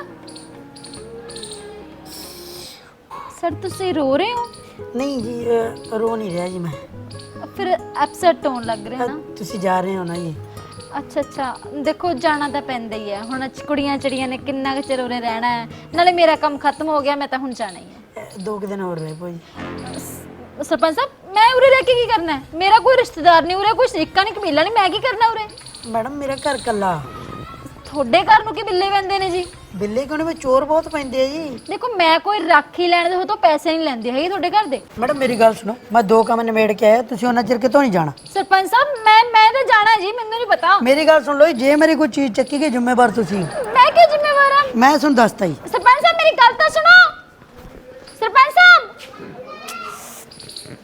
ਸਰ ਤੁਸੀਂ ਰੋ ਰਹੇ ਹੋ? ਨਹੀਂ ਜੀ, ਅ, ਰੋ ਨਹੀਂ ਰਿਹਾ ਜੀ ਮੈਂ। ਫਿਰ ਐਪਸੈਟ ਹੋਣ ਲੱਗ ਰਿਹਾ ਨਾ। ਤੁਸੀਂ ਜਾ ਰਹੇ ਹੋ ਨਾ ਜੀ? ਅੱਛਾ ਅੱਛਾ, ਦੇਖੋ ਜਾਣਾ ਤਾਂ ਪੈਂਦਾ ਹੀ ਹੈ ਹੁਣ, ਕੁੜੀਆਂ ਚੜੀਆਂ ਨੇ ਕਿੰਨਾ ਕੁ ਚਿਰ ਉਰੇ ਰਹਿਣਾ ਹੈ, ਨਾਲੇ ਮੇਰਾ ਕੰਮ ਖਤਮ ਹੋ ਗਿਆ, ਮੈਂ ਤਾਂ ਹੁਣ ਜਾਣਾ ਹੀ ਹੈ। ਅ, ਦੋ ਕੁ ਦਿਨ ਹੋਰ ਰਹੇ ਭਾਈ। ਸਰਪੰਚ ਸਾਹਿਬ ਮੈਂ ਉਰੇ ਰਹਿ ਕੇ ਕੀ ਕਰਨਾ ਹੈ? ਮੇਰਾ ਕੋਈ ਰਿਸ਼ਤੇਦਾਰ ਨਹੀਂ ਉਰੇ, ਕੋਈ ਸ਼ਰੀਕਾ ਨਹੀਂ, ਕਬੀਲਾ ਨਹੀਂ, ਮੈਂ ਕੀ ਕਰਨਾ ਉਰੇ? ਮੈਡਮ ਮੇਰਾ ਘਰ ਕੱਲਾ। ਤੁਹਾਡੇ ਘਰ ਨੂੰ ਕੀ ਬਿੱਲੇ ਪੈਂਦੇ ਨੇ ਜੀ? ਬਿੱਲੇ ਕੋਨੇ ਵਿੱਚ ਚੋਰ ਬਹੁਤ ਪੈਂਦੇ ਆ ਜੀ। ਦੇਖੋ ਮੈਂ ਕੋਈ ਰਾਖੀ ਲੈਣ ਦੇ ਹੋ ਤਾਂ ਪੈਸੇ ਨਹੀਂ ਲੈਂਦੇ ਹੈਗੇ ਤੁਹਾਡੇ ਘਰ ਦੇ। ਮੈਡਮ ਮੇਰੀ ਗੱਲ ਸੁਣੋ, ਮੈਂ ਦੋ ਕੰਮ ਨਿਬੇੜ ਕੇ ਆਇਆ, ਤੁਸੀਂ ਉਹਨਾਂ ਚਿਰ ਕਿਤੋਂ ਨਹੀਂ ਜਾਣਾ। ਸਰਪੰਚ ਸਾਹਿਬ ਮੈਂ ਮੈਂ ਤਾਂ ਜਾਣਾ ਜੀ, ਮੈਨੂੰ ਨਹੀਂ ਪਤਾ। ਮੇਰੀ ਗੱਲ ਸੁਣ ਲਓ ਜੀ, ਜੇ ਮੇਰੀ ਕੋਈ ਚੀਜ਼ ਚੱਕੀ ਗਈ ਜ਼ਿੰਮੇਵਾਰ ਤੁਸੀਂ। ਮੈਂ ਕੀ ਜ਼ਿੰਮੇਵਾਰ ਹਾਂ? ਮੈਂ ਤੁਹਾਨੂੰ ਦੱਸਤਾ ਜੀ। ਸਰਪੰਚ ਸਾਹਿਬ ਮੇਰੀ ਗੱਲ ਤਾਂ ਸੁਣੋ। ਸਰਪੰਚ ਸਾਹਿਬ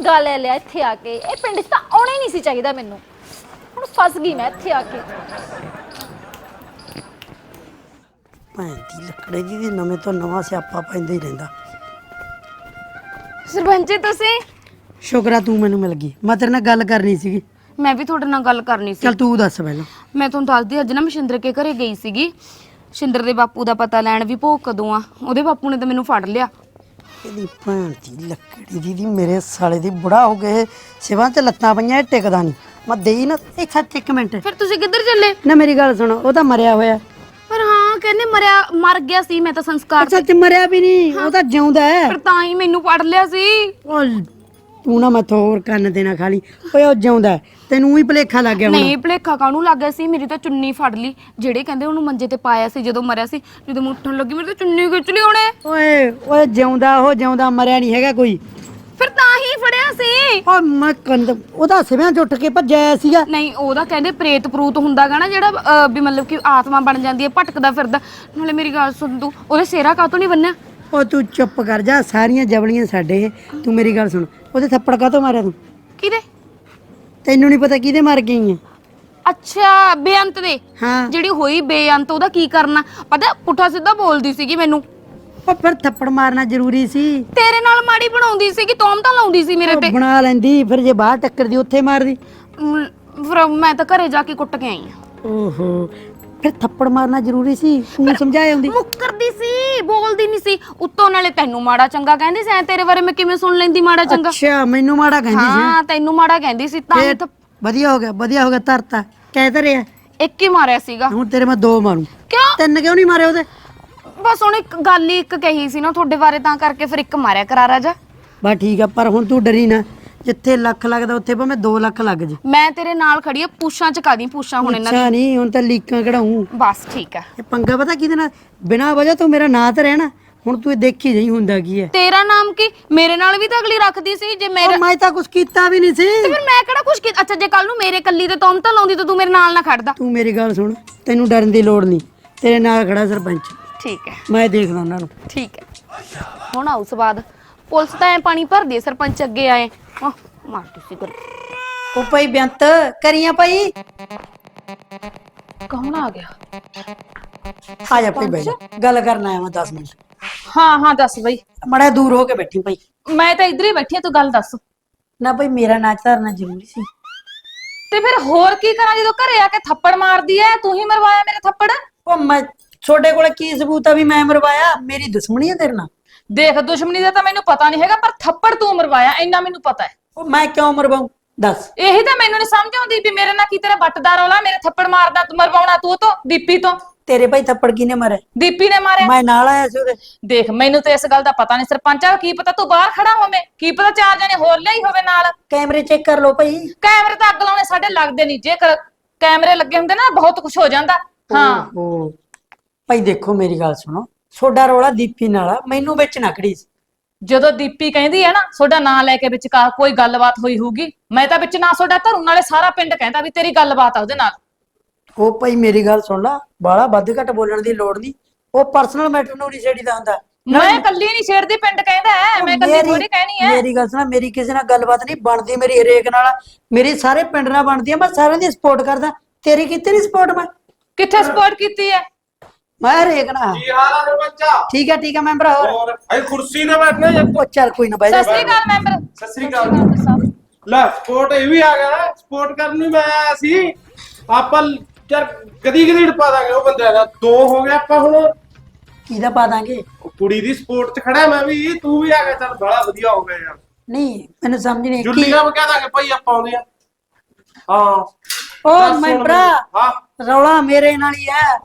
ਪੰਗਾ ਲੈ ਲਿਆ ਇੱਥੇ ਆ ਕੇ। ਇਹ ਪਿੰਡ 'ਚ ਤਾਂ ਆਉਣਾ ਹੀ ਨਹੀਂ ਸੀ ਚਾਹੀਦਾ ਮੈਨੂੰ। ਹੁਣ ਫਸ ਗਈ ਮੈਂ ਇੱਥੇ ਆ ਕੇ। ਭੈਣ ਦੀ ਲੱਕੜੇ ਜੀ ਦੀ ਨਵੇਂ ਤੋਂ ਨਵਾਂ ਸਿਆਪਾ ਪੈਂਦਾ ਹੀ ਰਹਿੰਦਾ। ਸਰਪੰਚ ਜੀ ਤੁਸੀਂ? ਸ਼ੁਕਰ ਆ ਤੂੰ ਮੈਨੂੰ ਮਿਲ ਗਈ। ਮੈਂ ਤੇਰੇ ਨਾਲ ਗੱਲ ਕਰਨੀ ਸੀਗੀ। ਮੈਂ ਵੀ ਤੁਹਾਡੇ ਨਾਲ ਗੱਲ ਕਰਨੀ ਸੀ। ਚੱਲ ਤੂੰ ਦੱਸ ਪਹਿਲਾਂ। ਮੈਂ ਤੁਹਾਨੂੰ ਦੱਸਦੀ, ਅੱਜ ਨਾ ਮੈਂ ਸ਼ਿੰਦਰ ਕੇ ਘਰੇ ਗਈ ਸੀਗੀ। ਸ਼ਿੰਦਰ ਦੇ ਬਾਪੂ ਦਾ ਪਤਾ ਲੈਣ ਵੀ ਭੋਗ ਕਦੋਂ ਆ। ਉਹਦੇ ਬਾਪੂ ਨੇ ਤਾਂ ਮੈਨੂੰ ਫੜ ਲਿਆ। ਇਹਦੀ ਭੈਣ ਦੀ ਲੱਕੜੀ ਦੀ ਦੀ ਮੇਰੇ ਸਾਲੇ ਦੀ ਬੁੜਾ ਹੋ ਗਏ ਸਿਵਾਂ ਤੇ ਲੱਤਾਂ ਪਈਆਂ ਇਹ ਟਿਕਦਾ ਨਹੀਂ। ਮੈਂ ਦੇਈ ਨਾ ਇੱਕ ਸੱਚ ਇੱਕ ਮਿੰਟ ਫਿਰ ਤੁਸੀਂ ਕਿੱਧਰ ਚੱਲੇ? ਨਾ ਮੇਰੀ ਗੱਲ ਸੁਣ, ਉਹ ਤਾਂ ਮਰਿਆ ਹੋਇਆ। ਪਰ ਹਾਂ ਕਹਿੰਦੇ ਮਰਿਆ ਮਰ ਗਿਆ ਸੀ। ਮੈਂ ਤਾਂ ਸੰਸਕਾਰ ਸੱਚ ਮਰਿਆ ਵੀ ਨਹੀਂ, ਉਹ ਤਾਂ ਜਿਉਂਦਾ ਹੈ। ਫਿਰ ਤਾਂ ਹੀ ਮੈਨੂੰ ਫੜ ਲਿਆ ਸੀ। ਉਹ ਤੂੰ ਨਾ ਮੈਥੋਂ ਹੋਰ ਕੰਨ ਦੇਣਾ ਖਾਲੀ। ਓਏ ਉਹ ਜਿਉਂਦਾ ਹੈ, ਤੈਨੂੰ ਹੀ ਭੁਲੇਖਾ ਲੱਗ ਗਿਆ ਹੁਣ। ਨਹੀਂ ਭਲੇਖਾ ਕਾਹਨੂੰ ਲੱਗ ਗਿਆ ਸੀ? ਮੇਰੀ ਤਾਂ ਚੁੰਨੀ ਫੜ ਲਈ। ਜਿਹੜੇ ਕਹਿੰਦੇ ਉਹਨੂੰ ਮੰਜੇ ਤੇ ਪਾਇਆ ਸੀ ਜਦੋਂ ਮਰਿਆ ਸੀ, ਜਦੋਂ ਮੈਂ ਉੱਠਣ ਲੱਗੀ ਮੇਰੀ ਤਾਂ ਚੁੰਨੀ ਖਿੱਚ ਲਈ ਉਹਨੇ। ਓਏ ਓਏ ਜਿਉਂਦਾ ਉਹ ਜਿਉਂਦਾ ਮਰਿਆ ਨਹੀਂ ਹੈਗਾ ਕੋਈ। ਫਿਰ ਤਾਂ ਹੀ ਫੜਿਆ ਸੀ। ਓ ਮੈਂ ਕੰਦ ਉਹਦਾ ਸਿਵਿਆਂ ਚ ਉੱਠ ਕੇ ਭੱਜਿਆ ਸੀਗਾ। ਨਹੀਂ ਉਹਦਾ ਕਹਿੰਦੇ ਪ੍ਰੇਤ ਪ੍ਰੂਤ ਹੁੰਦਾਗਾ ਨਾ ਜਿਹੜਾ ਅਹ, ਵੀ ਮਤਲਬ ਕਿ ਆਤਮਾ ਬਣ ਜਾਂਦੀ ਹੈ, ਭਟਕਦਾ ਫਿਰਦਾ। ਨਾਲੇ ਮੇਰੀ ਗੱਲ ਸੁਣ, ਤੂੰ ਉਹਦੇ ਸਿਹਰਾ ਕਾਹਤੋਂ ਨਹੀਂ ਬੰਨਿਆ? ਉਹ ਤੂੰ ਚੁੱਪ ਕਰ ਜਾ, ਸਾਰੀਆਂ ਜਵਲੀਆਂ ਸਾਡੇ। ਤੂੰ ਮੇਰੀ ਗੱਲ ਸੁਣ, ਉਹਦੇ ਥੱਪੜ ਕਾਹਤੋਂ ਮਾਰਿਆ ਤੂੰ? ਕਿਹਦੇ? ਤੈਨੂੰ ਨਹੀਂ ਪਤਾ ਕਿਹਦੇ ਮਾਰ ਗਈ ਹੈ? ਅੱਛਾ ਬੇਅੰਤ ਦੇ। ਹਾਂ ਜਿਹੜੀ ਹੋਈ ਬੇਅੰਤ, ਉਹਦਾ ਕੀ ਕਰਨਾ? ਪਤਾ ਪੁੱਠਾ ਸਿੱਧਾ ਬੋਲਦੀ ਸੀਗੀ ਮੈਨੂੰ। ਉਹ ਫਿਰ ਥੱਪੜ ਮਾਰਨਾ ਜ਼ਰੂਰੀ ਸੀ। ਤੇਰੇ ਨਾਲ ਮਾੜੀ ਬਣਾਉਂਦੀ ਸੀਗੀ, ਤੋਮ ਤਾਂ ਲਾਉਂਦੀ ਸੀ ਮੇਰੇ ਉਹ ਤੇ। ਬਣਾ ਲੈਂਦੀ, ਫਿਰ ਜੇ ਬਾਹਰ ਟੱਕਰਦੀ ਉੱਥੇ ਮਾਰਦੀ। ਮ, ਫਿਰ ਮੈਂ ਤਾਂ ਘਰੇ ਜਾ ਕੇ ਕੁੱਟ ਕੇ ਆਈ ਆ। ਓਹੋ ਫਿਰ ਥੱਪੜ ਮਾਰਨਾ ਜ਼ਰੂਰੀ ਸੀ। ਤੂੰ ਸਮਝਾਇਆ ਹੁੰਦੀ। ਮੁੱਕਰਦੀ ਸੀ, ਬੋਲਦੀ ਨਹੀਂ ਸੀ। ਉੱਤੋਂ ਨਾਲੇ ਤੈਨੂੰ ਮਾੜਾ ਚੰਗਾ ਕਹਿੰਦੀ ਸੀ। ਐ ਤੇਰੇ ਬਾਰੇ ਮੈਂ ਕਿਵੇਂ ਸੁਣ ਲੈਂਦੀ ਮਾੜਾ ਚੰਗਾ? ਅੱਛਾ ਮੈਨੂੰ ਮਾੜਾ ਕਹਿੰਦੀ ਸੀ। ਹਾਂ ਤੈਨੂੰ ਮਾੜਾ ਕਹਿੰਦੀ ਸੀ ਤਾਂ ਹੀ ਫੇਰ ਤਾਂ ਵਧੀਆ ਹੋ ਗਿਆ, ਵਧੀਆ ਹੋ ਗਿਆ। ਧਰਤਾ ਕਹਿ ਤਾਂ ਰਿਹਾ। ਇੱਕ ਹੀ ਮਾਰਿਆ ਸੀਗਾ। ਹੁਣ ਤੇਰੇ ਮੈਂ ਦੋ ਮਾਰੂ। ਕਿਉਂ? ਤਿੰਨ ਕਿਉਂ ਨਹੀਂ ਮਾਰੇ ਉਹਦੇ? ਬਸ ਹੁਣ ਇੱਕ ਗੱਲ ਹੀ ਇੱਕ ਕਹੀ ਸੀ ਨਾ ਤੁਹਾਡੇ ਬਾਰੇ, ਤਾਂ ਕਰਕੇ ਫਿਰ ਇੱਕ ਮਾਰਿਆ ਕਰਾਰਾ ਜਾ। ਬਸ ਠੀਕ ਆ, ਪਰ ਹੁਣ ਤੂੰ ਡਰੀ ਨਾ। ਜਿੱਥੇ ਲੱਖ ਲੱਗਦਾ ਉੱਥੇ ਭਾਵੇਂ ਦੋ ਲੱਖ ਲੱਗ ਜੇ। ਮੈਂ ਤੇਰੇ ਨਾਲ ਖੜੀ ਆ, ਪੂਛਾਂ ਚਕਾ ਦੀ ਪੂਛਾਂ ਹੁਣ ਇਹਨਾਂ ਅੱਛਾ ਨਹੀਂ, ਹੁਣ ਤਾਂ ਲੀਕਾਂ ਕਢਾਉਂ। ਬਸ ਠੀਕ ਆ। ਇਹ ਪੰਗਾ ਪਤਾ ਕਿਹਦੇ ਨਾਲ? ਬਿਨਾਂ ਵਜ੍ਹਾ ਤੋਂ ਮੇਰਾ ਨਾਂ ਤੇ ਰਹਿਣਾ। ਹੁਣ ਤੂੰ ਇਹ ਦੇਖੀ ਜਾਈ ਹੁੰਦਾ ਕੀ ਹੈ। ਤੇਰਾ ਨਾਮ ਕੀ? ਮੇਰੇ ਨਾਲ ਵੀ ਤਾਂ ਅਗਲੀ ਰੱਖਦੀ ਸੀ। ਜੇ ਮੇਰਾ ਉਹ ਮੈਂ ਤਾਂ ਕੁਝ ਕੀਤਾ ਵੀ ਨਹੀਂ ਸੀ। ਤੇ ਫਿਰ ਮੈਂ ਕਿਹੜਾ ਕੁਛ ਕੀਤਾ? ਅੱਛਾ ਜੇ ਕੱਲ ਨੂੰ ਮੇਰੇ ਕੱਲੀ ਤੇ ਤੁਮ ਤਾਂ ਲਾਉਂਦੀ ਤਾਂ ਤੂੰ ਮੇਰੇ ਨਾਲ ਨਾ ਖੜਦਾ। ਤੂੰ ਮੇਰੀ ਗੱਲ ਸੁਣ, ਤੈਨੂੰ ਡਰਨ ਦੀ ਲੋੜ ਨਹੀਂ। ਤੇਰੇ ਨਾਲ ਖੜਾ ਸਰਪੰਚ। ਠੀਕ ਹੈ ਮੈਂ ਦੇਖਦਾ ਉਹਨਾਂ ਨੂੰ। ਠੀਕ ਹੈ। ਹੁਣ ਆਉ ਸਵਾਦ। ਪੁਲਿਸ ਤਾਂ ਐ ਪਾਣੀ ਭਰਦੀ, ਸਰਪੰਚ ਅੱਗੇ ਆਏ। ਆਹ ਮਾਰਦੀ ਸੀ ਗੱਲ। ਉਹ ਭਾਈ ਬੇਅੰਤ ਕਰੀਆਂ ਭਾਈ। ਕੌਣ ਆ ਗਿਆ? ਆ ਜਾ ਭਾਈ ਬਹਿ ਜਾ, ਗੱਲ ਕਰਨ ਆਇਆ ਮੈਂ ਦਸ ਮਿੰਟ। ਹਾਂ ਹਾਂ ਦੱਸ ਬਈ। ਮੜਾ ਦੂਰ ਹੋ ਕੇ ਬੈਠੀ ਭਾਈ। ਮੈਂ ਤਾਂ ਇੱਧਰ ਹੀ ਬੈਠੀ ਆ, ਤੂੰ ਗੱਲ ਦੱਸ। ਨਾ ਭਾਈ ਮੇਰਾ ਨਾਚ ਧਰਨਾ ਜ਼ਰੂਰੀ ਸੀ। ਤੇ ਫਿਰ ਹੋਰ ਕੀ ਕਰਾਂ ਜਦੋਂ ਘਰੇ ਆ ਕੇ ਥੱਪੜ ਮਾਰਦੀ ਐ? ਤੂੰ ਹੀ ਮਰਵਾਇਆ ਮੇਰੇ ਥੱਪੜ। ਉਹ ਮੈਂ ਤੁਹਾਡੇ ਕੋਲ ਕੀ ਸਬੂਤ ਆ ਵੀ ਮੈਂ ਮਰਵਾਇਆ? ਮੇਰੀ ਦੁਸ਼ਮਣੀ ਆ ਤੇਰੇ ਨਾਲ। ਦੇਖ ਦੁਸ਼ਮਣੀ ਦਾ ਤਾਂ ਮੈਨੂੰ ਪਤਾ ਨਹੀਂ ਹੈਗਾ, ਪਰ ਥੱਪੜ ਤੂੰ ਮਰਵਾਇਆ ਇੰਨਾ ਮੈਨੂੰ ਪਤਾ ਹੈ। ਉਹ ਮੈਂ ਕਿਉਂ ਮਰਵਾਉਂ ਦੱਸ? ਇਹੀ ਤਾਂ ਮੈਨੂੰ ਨਹੀਂ ਸਮਝ ਆਉਂਦੀ ਵੀ ਮੇਰੇ ਨਾਲ ਕੀ ਤੇਰਾ ਵੱਟਦਾ ਰੌਲਾ। ਮੇਰੇ ਥੱਪੜ ਮਾਰਦਾ ਤੂੰ, ਮਰਵਾਉਣਾ ਤੂੰ ਤੋਂ, ਦੀਪੀ ਤੋਂ। ਤੇਰੇ ਭਾਈ ਥੱਪੜ ਕਿਨੇ ਮਾਰੇ? ਦੀਪੀ ਨੇ ਮਾਰਿਆ। ਮੈਂ ਨਾਲ ਆਇਆ ਸੀ ਉਹਦੇ। ਦੇਖ ਮੈਨੂੰ ਤੇ ਇਸ ਗੱਲ ਦਾ ਪਤਾ ਨਹੀਂ ਸਰਪੰਚਾ, ਕੀ ਪਤਾ ਤੂੰ ਬਾਹਰ ਖੜਾ ਹੋਵੇਂ, ਕੀ ਪਤਾ ਚਾਰ ਜਣੇ ਹੋਰ ਲਿਆਈ ਹੋਵੇ ਨਾਲ। ਕੈਮਰੇ ਚੈੱਕ ਕਰ ਲਓ ਭਾਈ। ਕੈਮਰੇ ਤਾਂ ਅੱਗ ਲਾਉਣੇ ਸਾਡੇ ਲੱਗਦੇ ਨਹੀਂ। ਜੇ ਕਰ- ਕੈਮਰੇ ਲੱਗੇ ਹੁੰਦੇ ਨਾ ਬਹੁਤ ਕੁਝ ਹੋ ਜਾਂਦਾ। ਹਾਂ ਉਹ ਭਾਈ ਦੇਖੋ ਮੇਰੀ ਗੱਲ ਸੁਣੋ, ਤੁਹਾਡਾ ਰੌਲਾ ਦੀਪੀ ਨਾਲ ਆ, ਮੈਨੂੰ ਵਿੱਚ ਨਾ ਖੜੀ। ਜਦੋਂ ਦੀਪੀ ਕਹਿੰਦੀ ਹੈ ਨਾ ਤੁਹਾਡਾ ਨਾਂ ਲੈ ਕੇ ਵਿੱਚ ਕਾ ਕੋਈ ਗੱਲਬਾਤ ਹੋਈ ਹੋਊਗੀ, ਮੈਂ ਤਾਂ ਵਿੱਚ ਨਾ ਤੁਹਾਡਾ ਧਰੂ, ਨਾਲੇ ਸਾਰਾ ਪਿੰਡ ਕਹਿੰਦਾ ਵੀ ਤੇਰੀ ਗੱਲਬਾਤ ਆ ਉਹਦੇ ਨਾਲ। ਉਹ ਭਾਈ ਮੇਰੀ ਗੱਲ ਸੁਣ ਲਾ, ਬਾਲਾ ਵੱਧ ਘੱਟ ਬੋਲਣ ਦੀ ਲੋੜ ਨਹੀਂ। ਉਹ ਪਰਸਨਲ ਮੈਟਰ ਨੂੰ ਨਹੀਂ ਛੇੜੀਦਾ ਹੁੰਦਾ। ਮੈਂ ਕੱਲੀ ਨਹੀਂ ਛੇੜਦੀ, ਪਿੰਡ ਕਹਿੰਦਾ ਹੈ, ਮੈਂ ਕੱਲੀ ਮੇਰੀ- ਥੋੜੀ ਕਹਿਣੀ ਹੈ। ਮੇਰੀ ਗੱਲ ਸੁਣਾ, ਮੇਰੀ ਕਿਸੇ ਨਾਲ ਗੱਲਬਾਤ ਨਹੀਂ ਬਣਦੀ, ਮੇਰੀ ਹਰੇਕ ਨਾਲ, ਮੇਰੀ ਸਾਰੇ ਪਿੰਡ ਨਾਲ ਬਣਦੀ ਆ। ਮੈਂ ਸਾਰਿਆਂ ਦੀ ਸਪੋਰਟ ਕਰਦਾ, ਤੇਰੀ ਕਿਤੇ ਨਹੀਂ ਸਪੋਰਟ। ਮੈਂ ਕਿੱਥੇ ਸਪੋਰਟ ਕੀਤੀ ਹੈ? ਮੈਂ ਹਰੇਕ ਨਾਲ। ਕੀ ਹਾਲ ਆ ਸਰਪੰਚਾ? ਠੀਕ ਹੈ ਠੀਕ ਹੈ ਮੈਂਬਰ। ਹੋਰ ਹੋਰ ਭਾਈ ਕੁਰਸੀ ਤੇ ਬੈਠਣਾ ਜਾਂ ਉਹ ਚੱਲ ਕੋਈ ਨਾ ਬਾਈ। ਸਤਿ ਸ੍ਰੀ ਅਕਾਲ ਮੈਂਬਰ। ਸਤਿ ਸ੍ਰੀ ਅਕਾਲ। ਲੈ ਸਪੋਰਟ ਇਹ ਵੀ ਆ ਗਿਆ, ਸਪੋਰਟ ਕਰਨ ਨੂੰ ਮੈਂ ਆਇਆ ਸੀ। ਆਪਾਂ ਯਾਰ ਕਦੀ ਕਦੀ ਪਾ ਦਾਂਗੇ ਉਹ ਬੰਦਿਆਂ ਦਾ। ਦੋ ਹੋ ਗਿਆ ਆਪਾਂ ਹੁਣ। ਕਿਹਦਾ ਪਾ ਦਾਂਗੇ? ਉਹ ਕੁੜੀ ਦੀ ਸਪੋਰਟ 'ਚ ਖੜਾ ਮੈਂ ਵੀ, ਤੂੰ ਵੀ ਆ ਗਿਆ, ਚੱਲ ਬੜਾ ਵਧੀਆ ਹੋ ਗਿਆ ਯਾਰ। ਨਹੀਂ ਮੈਨੂੰ ਸਮਝ ਨਹੀਂ ਕੀ। ਜੁੱਲੀਆਂ ਕਹਿ ਦਾਂਗੇ ਭਾਈ ਆਪਾਂ ਆਉਂਦੇ ਆ। ਹਾਂ ਉਹ ਦੱਸ ਹੁਣ ਮੈਂਬਰਾ, ਮੈਨੂੰ। ਹਾਂ ਰੌਲਾ ਮੇਰੇ ਨਾਲ ਹੀ ਹੈ।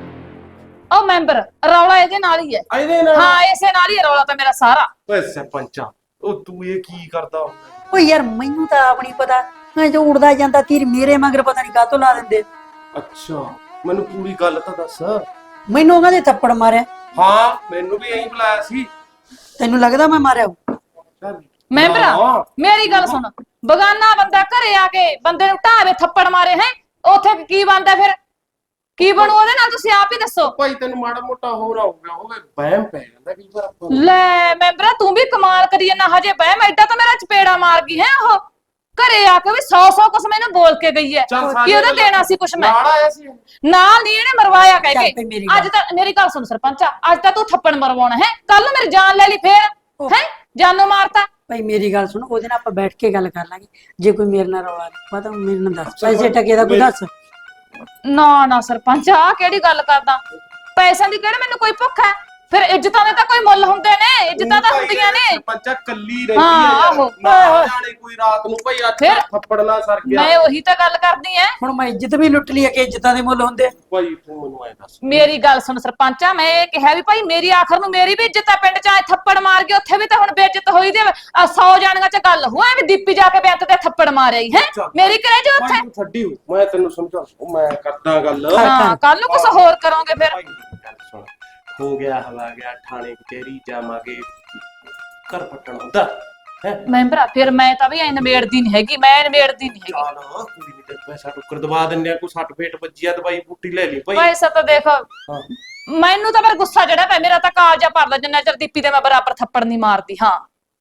ਉਹ ਮੈਂਬਰ ਰੌਲਾ ਇਹਦੇ ਨਾਲ ਹੀ ਹੈ। ਇਹਦੇ ਨਾਲ? ਹਾਂ ਇਸੇ ਨਾਲ ਹੀ ਹੈ ਰੌਲਾ ਤਾਂ ਮੇਰਾ ਸਾਰਾ। ਓਏ ਸਰਪੰਚਾ, ਉਹ ਤੂੰ ਇਹ ਕੀ ਕਰਦਾ ਹੁੰਦਾ? ਓ ਯਾਰ ਮੈਨੂੰ ਤਾਂ ਆਪ ਨਹੀਂ ਪਤਾ, ਮੈਂ ਜੋ ਉੜਦਾ ਜਾਂਦਾ ਤੀਰ ਮੇਰੇ ਮਗਰ ਪਤਾ ਨਹੀਂ ਕਾਹਤੋਂ ਲਾ ਦਿੰਦੇ। ਅੱਛਾ ਮੈਨੂੰ ਪੂਰੀ ਗੱਲ ਤਾਂ ਦੱਸ। ਮੈਨੂੰ ਉਹਨਾਂ ਦੇ ਥੱਪੜ ਮਾਰਿਆ। ਹਾਂ ਮੈਨੂੰ ਵੀ ਐਂ ਬੁਲਾਇਆ ਸੀ। ਤੈਨੂੰ ਲੱਗਦਾ ਮੈਂ ਮਾਰਿਆ? ਚੱਲ ਮੈਂਬਰਾ ਹਾਂ। ਮੇਰੀ ਗੱਲ ਸੁਣ, ਬਗਾਨਾ ਬੰਦਾ ਘਰੇ ਆ ਕੇ ਬੰਦੇ ਨੂੰ ਢਾਵੇ ਥੱਪੜ ਮਾਰੇ ਹੈ, ਉੱਥੇ ਕੀ ਬਣਦਾ ਫਿਰ? ਕੀ ਬਣੂ ਉਹਦੇ ਨਾਲ ਤੁਸੀਂ ਆਪ ਹੀ ਦੱਸੋ। ਭਾਈ ਤੈਨੂੰ ਮਾੜਾ ਮੋਟਾ ਹੋਰ ਆਊਗਾ, ਹੋਵੇ ਵਹਿਮ ਪੈ ਜਾਂਦਾ ਕਈ ਵਾਰ ਆਪਾਂ ਨੂੰ। ਲੈ ਮੈਂਬਰਾ ਤੂੰ ਵੀ ਕਮਾਲ ਕਰੀ ਜਾਂਦਾ ਹਜੇ ਬਹਿ ਮੈਂ ਐਡਾ ਤਾਂ ਮੇਰਾ ਚਪੇੜਾ ਮਾਰ ਗਈ ਹੈ ਉਹ ਘਰੇ ਆ ਕੇ ਵੀ ਸੌ ਸੌ ਕੁਛ ਮੈਨੂੰ ਬੋਲ ਕੇ ਗਈ ਹੈ ਚੱਲ ਕਿ ਉਹਦਾ ਦੇਣਾ ਸੀ ਕੁਛ ਮੈਂ ਨਾਲ ਆਇਆ ਸੀ ਨਾਲ ਨਹੀਂ ਇਹਨੇ ਮਰਵਾਇਆ ਕਹਿ ਚੱਲ ਕੇ ਭਈ ਮੇਰੀ ਗੱਲ- ਅੱਜ ਤਾਂ ਮੇਰੀ ਗੱਲ ਸੁਣ ਸਰਪੰਚਾ ਅੱਜ ਤਾਂ ਤੂੰ ਥੱਪੜ ਮਰਵਾਉਣਾ ਹੈ ਕੱਲ ਨੂੰ ਮੇਰੀ ਜਾਨ ਲੈ ਲਈ ਫੇਰ ਹੈ ਜਾਨੋਂ ਮਾਰਤਾ ਭਾਈ ਮੇਰੀ ਗੱਲ ਸੁਣ, ਉਹਦੇ ਨਾਲ ਆਪਾਂ ਬੈਠ ਕੇ ਗੱਲ ਕਰ ਲਾਂਗੇ। ਜੇ ਕੋਈ ਮੇਰੇ ਨਾਲ ਰੌਲਾ ਨਹੀਂ ਪਤਾ ਮੇਰੇ ਨਾਲ ਦੱਸ, ਪੈਸੇ ਟਕੇ ਦਾ ਕੋਈ ਦੱਸ। ਨਾ ਨਾ ਸਰਪੰਚ ਆ ਕਿਹੜੀ ਗੱਲ ਕਰਦਾ ਪੈਸਿਆਂ ਦੀ ਕਿਹੜੇ ਮੈਨੂੰ ਕੋਈ ਭੁੱਖ ਹੈ ਫਿਰ ਇੱਜ਼ਤਾਂ ਦੇ ਤਾਂ ਕੋਈ ਮੁੱਲ ਹੁੰਦੇ ਨੇ ਇੱਜ਼ਤਾਂ ਤਾਂ ਹੁੰਦੀਆਂ ਨੇ ਪੰਚਾ ਕੱਲੀ ਰਹਿੰਦੀ ਹਾਂ, ਹੈ ਯਾਰ। ਆਹੋ। ਨਾ ਜਾਣੇ ਕੋਈ ਰਾਤ ਨੂੰ ਭਾਈ ਅੱਜ ਫਿਰ? ਥੱਪੜ ਨਾ ਸਰ ਗਿਆ ਮੈਂ ਉਹੀ ਤਾਂ ਗੱਲ ਕਰਦੀ ਐ ਹੁਣ ਮੈਂ ਇੱਜ਼ਤ ਵੀ ਲੁੱਟ ਲਈ ਹੈ ਕਿ ਇੱਜ਼ਤਾਂ ਦੇ ਮੁੱਲ ਹੁੰਦੇ ਆ? ਭਾਈ ਤੂੰ ਮੈਨੂੰ ਐ ਦੱਸ ਮੇਰੀ ਗੱਲ ਸੁਣ ਸਰਪੰਚਾ ਮੈਂ ਇਹ ਕਿਹਾ ਵੀ ਭਾਈ ਮੇਰੀ ਆਖਰ ਨੂੰ ਮੇਰੀ ਵੀ ਇੱਜ਼ਤ ਆ ਪਿੰਡ ਚ ਆਏ ਥੱਪੜ ਮਾਰ ਕੇ ਉੱਥੇ ਵੀ ਤਾਂ ਹੁਣ ਬੇਇੱਜ਼ਤ ਹੋਈ ਦੇ ਆ ਸੌ ਜਾਣੀਆਂ ਚ ਗੱਲ ਹੋਇਆ ਵੀ ਦੀਪੀ ਜਾ ਕੇ ਬੈਂਤ ਤੇ ਥੱਪੜ ਮਾਰਿਆ ਹੈ ਚੱਲ। ਮੇਰੀ ਕਰੇ ਜੋ ਉੱਥੇ ਭਾਈ ਤੂੰ ਛੱਡੀ ਹੋ, ਮੈਂ ਤੈਨੂੰ ਸਮਝਾ ਉਹ ਮੈਂ ਕਰਦਾ ਗੱਲ ਹਾਂ ਕੱਲ ਨੂੰ ਕੁਝ ਹੋਰ ਕਰੋਗੇ ਫਿਰ ਭਾਈ ਗੱਲ ਸੁਣ ਹੋ ਗਿਆ ਹਵਾ ਗਿਆ ਥਾਣੇ ਕਚਹਿਰੀ ਜਾਵਾਂਗੇ ਘਰ ਪੱਟਣ ਹੁੰਦਾ ਹੈ ਮੈਂਬਰਾ ਫਿਰ ਮੈਂ ਤਾਂ ਵੀ ਐ ਨਵੇੜਦੀ ਨਹੀਂ ਹੈਗੀ ਮੈਂ ਨਵੇੜਦੀ ਨਹੀਂ ਹੈਗੀ ਚਾਲ ਕੁੜੀ ਨੇ ਤੇ ਪੈਸਾ ਟੁੱਕਰ ਦਵਾ ਦਿੰਦੇ ਆ ਕੋਈ ਸੱਟ ਫੇਟ ਵੱਜਿਆ ਦਵਾਈ ਬੂਟੀ ਲੈ ਲਈ ਭਾਈ ਪੈਸਾ ਤਾਂ ਦੇਖ ਹਾਂ। ਮੈਨੂੰ ਤਾਂ ਫਿਰ ਗੁੱਸਾ ਜਿਹੜਾ ਪਿਆ ਮੇਰਾ ਤਾਂ ਕਾਲਜਾ ਭਰਦਾ ਜਿੰਨਾ ਚਿਰ ਦੀਪੀ ਦੇ ਮੈਂ ਬਰਾਬਰ ਥੱਪੜ ਨਹੀਂ ਮਾਰਦੀ ਹਾਂ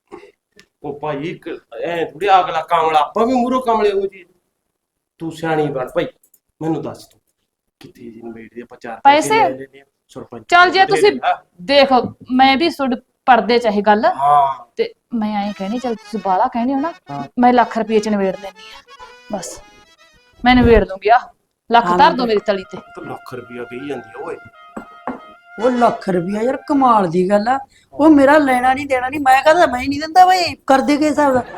ਉਹ ਭਾਈ ਇੱਕ ਐ ਥੋੜੀ ਅਗਲਾ ਕਾਮਲਾ ਆਪਾਂ ਵੀ ਮੂਰੋ ਕਾਮਲੇ ਹੋ ਜੀ ਤੂੰ ਸਿਆਣੀ ਬਣ ਭਾਈ ਮੈਨੂੰ ਦੱਸ ਤੂੰ ਕਿੱਥੇ ਜੀ ਨਵੇੜ ਦੇ ਆਪਾਂ ਚਾਰ ਪੈਸੇ? ਲੈ ਲੈਣੇ ਆ, ਸਰਪੰਚ ਚੱਲ ਜੇ ਦੇ ਤੁਸੀਂ ਦੇਣਾ। ਦੇਖੋ ਮੈਂ ਵੀ ਸੁਣ ਪੜਦੇ ਚਾਹੇ ਗੱਲ ਹਾਂ ਤੇ ਮੈਂ ਐਂ ਕਹਿਣੀ ਚੱਲ ਤੁਸੀਂ ਬਾਲਾ ਕਹਿਣੀ ਹੋ ਨਾ ਮੈਂ ਲੱਖ ਰੁਪਏ ਚ ਨਵੇੜ ਲੈਣੀ ਆ ਬਸ ਮੈਂ ਨਵੇੜ ਦੂੰਗੀ ਆ ਲੱਖ ਧਰ ਦੋ ਮੇਰੀ ਤਲੀ ਤੇ ਤਾਂ ਲੱਖ ਰੁਪਿਆ ਕਹੀ ਜਾਂਦੀ ਆ ਓਏ ਉਹ ਲੱਖ ਰੁਪਇਆ ਯਾਰ ਕਮਾਲ ਦੀ ਗੱਲ ਆ। ਉਹ ਮੇਰਾ ਲੈਣਾ ਨਹੀਂ ਦੇਣਾ ਨਹੀਂ, ਮੈਂ ਕਹਦਾ ਮੈਂ ਨਹੀਂ ਦਿੰਦਾ ਬਈ, ਕਰਦੇ ਕੇ ਹਿਸਾਬ ਦਾ।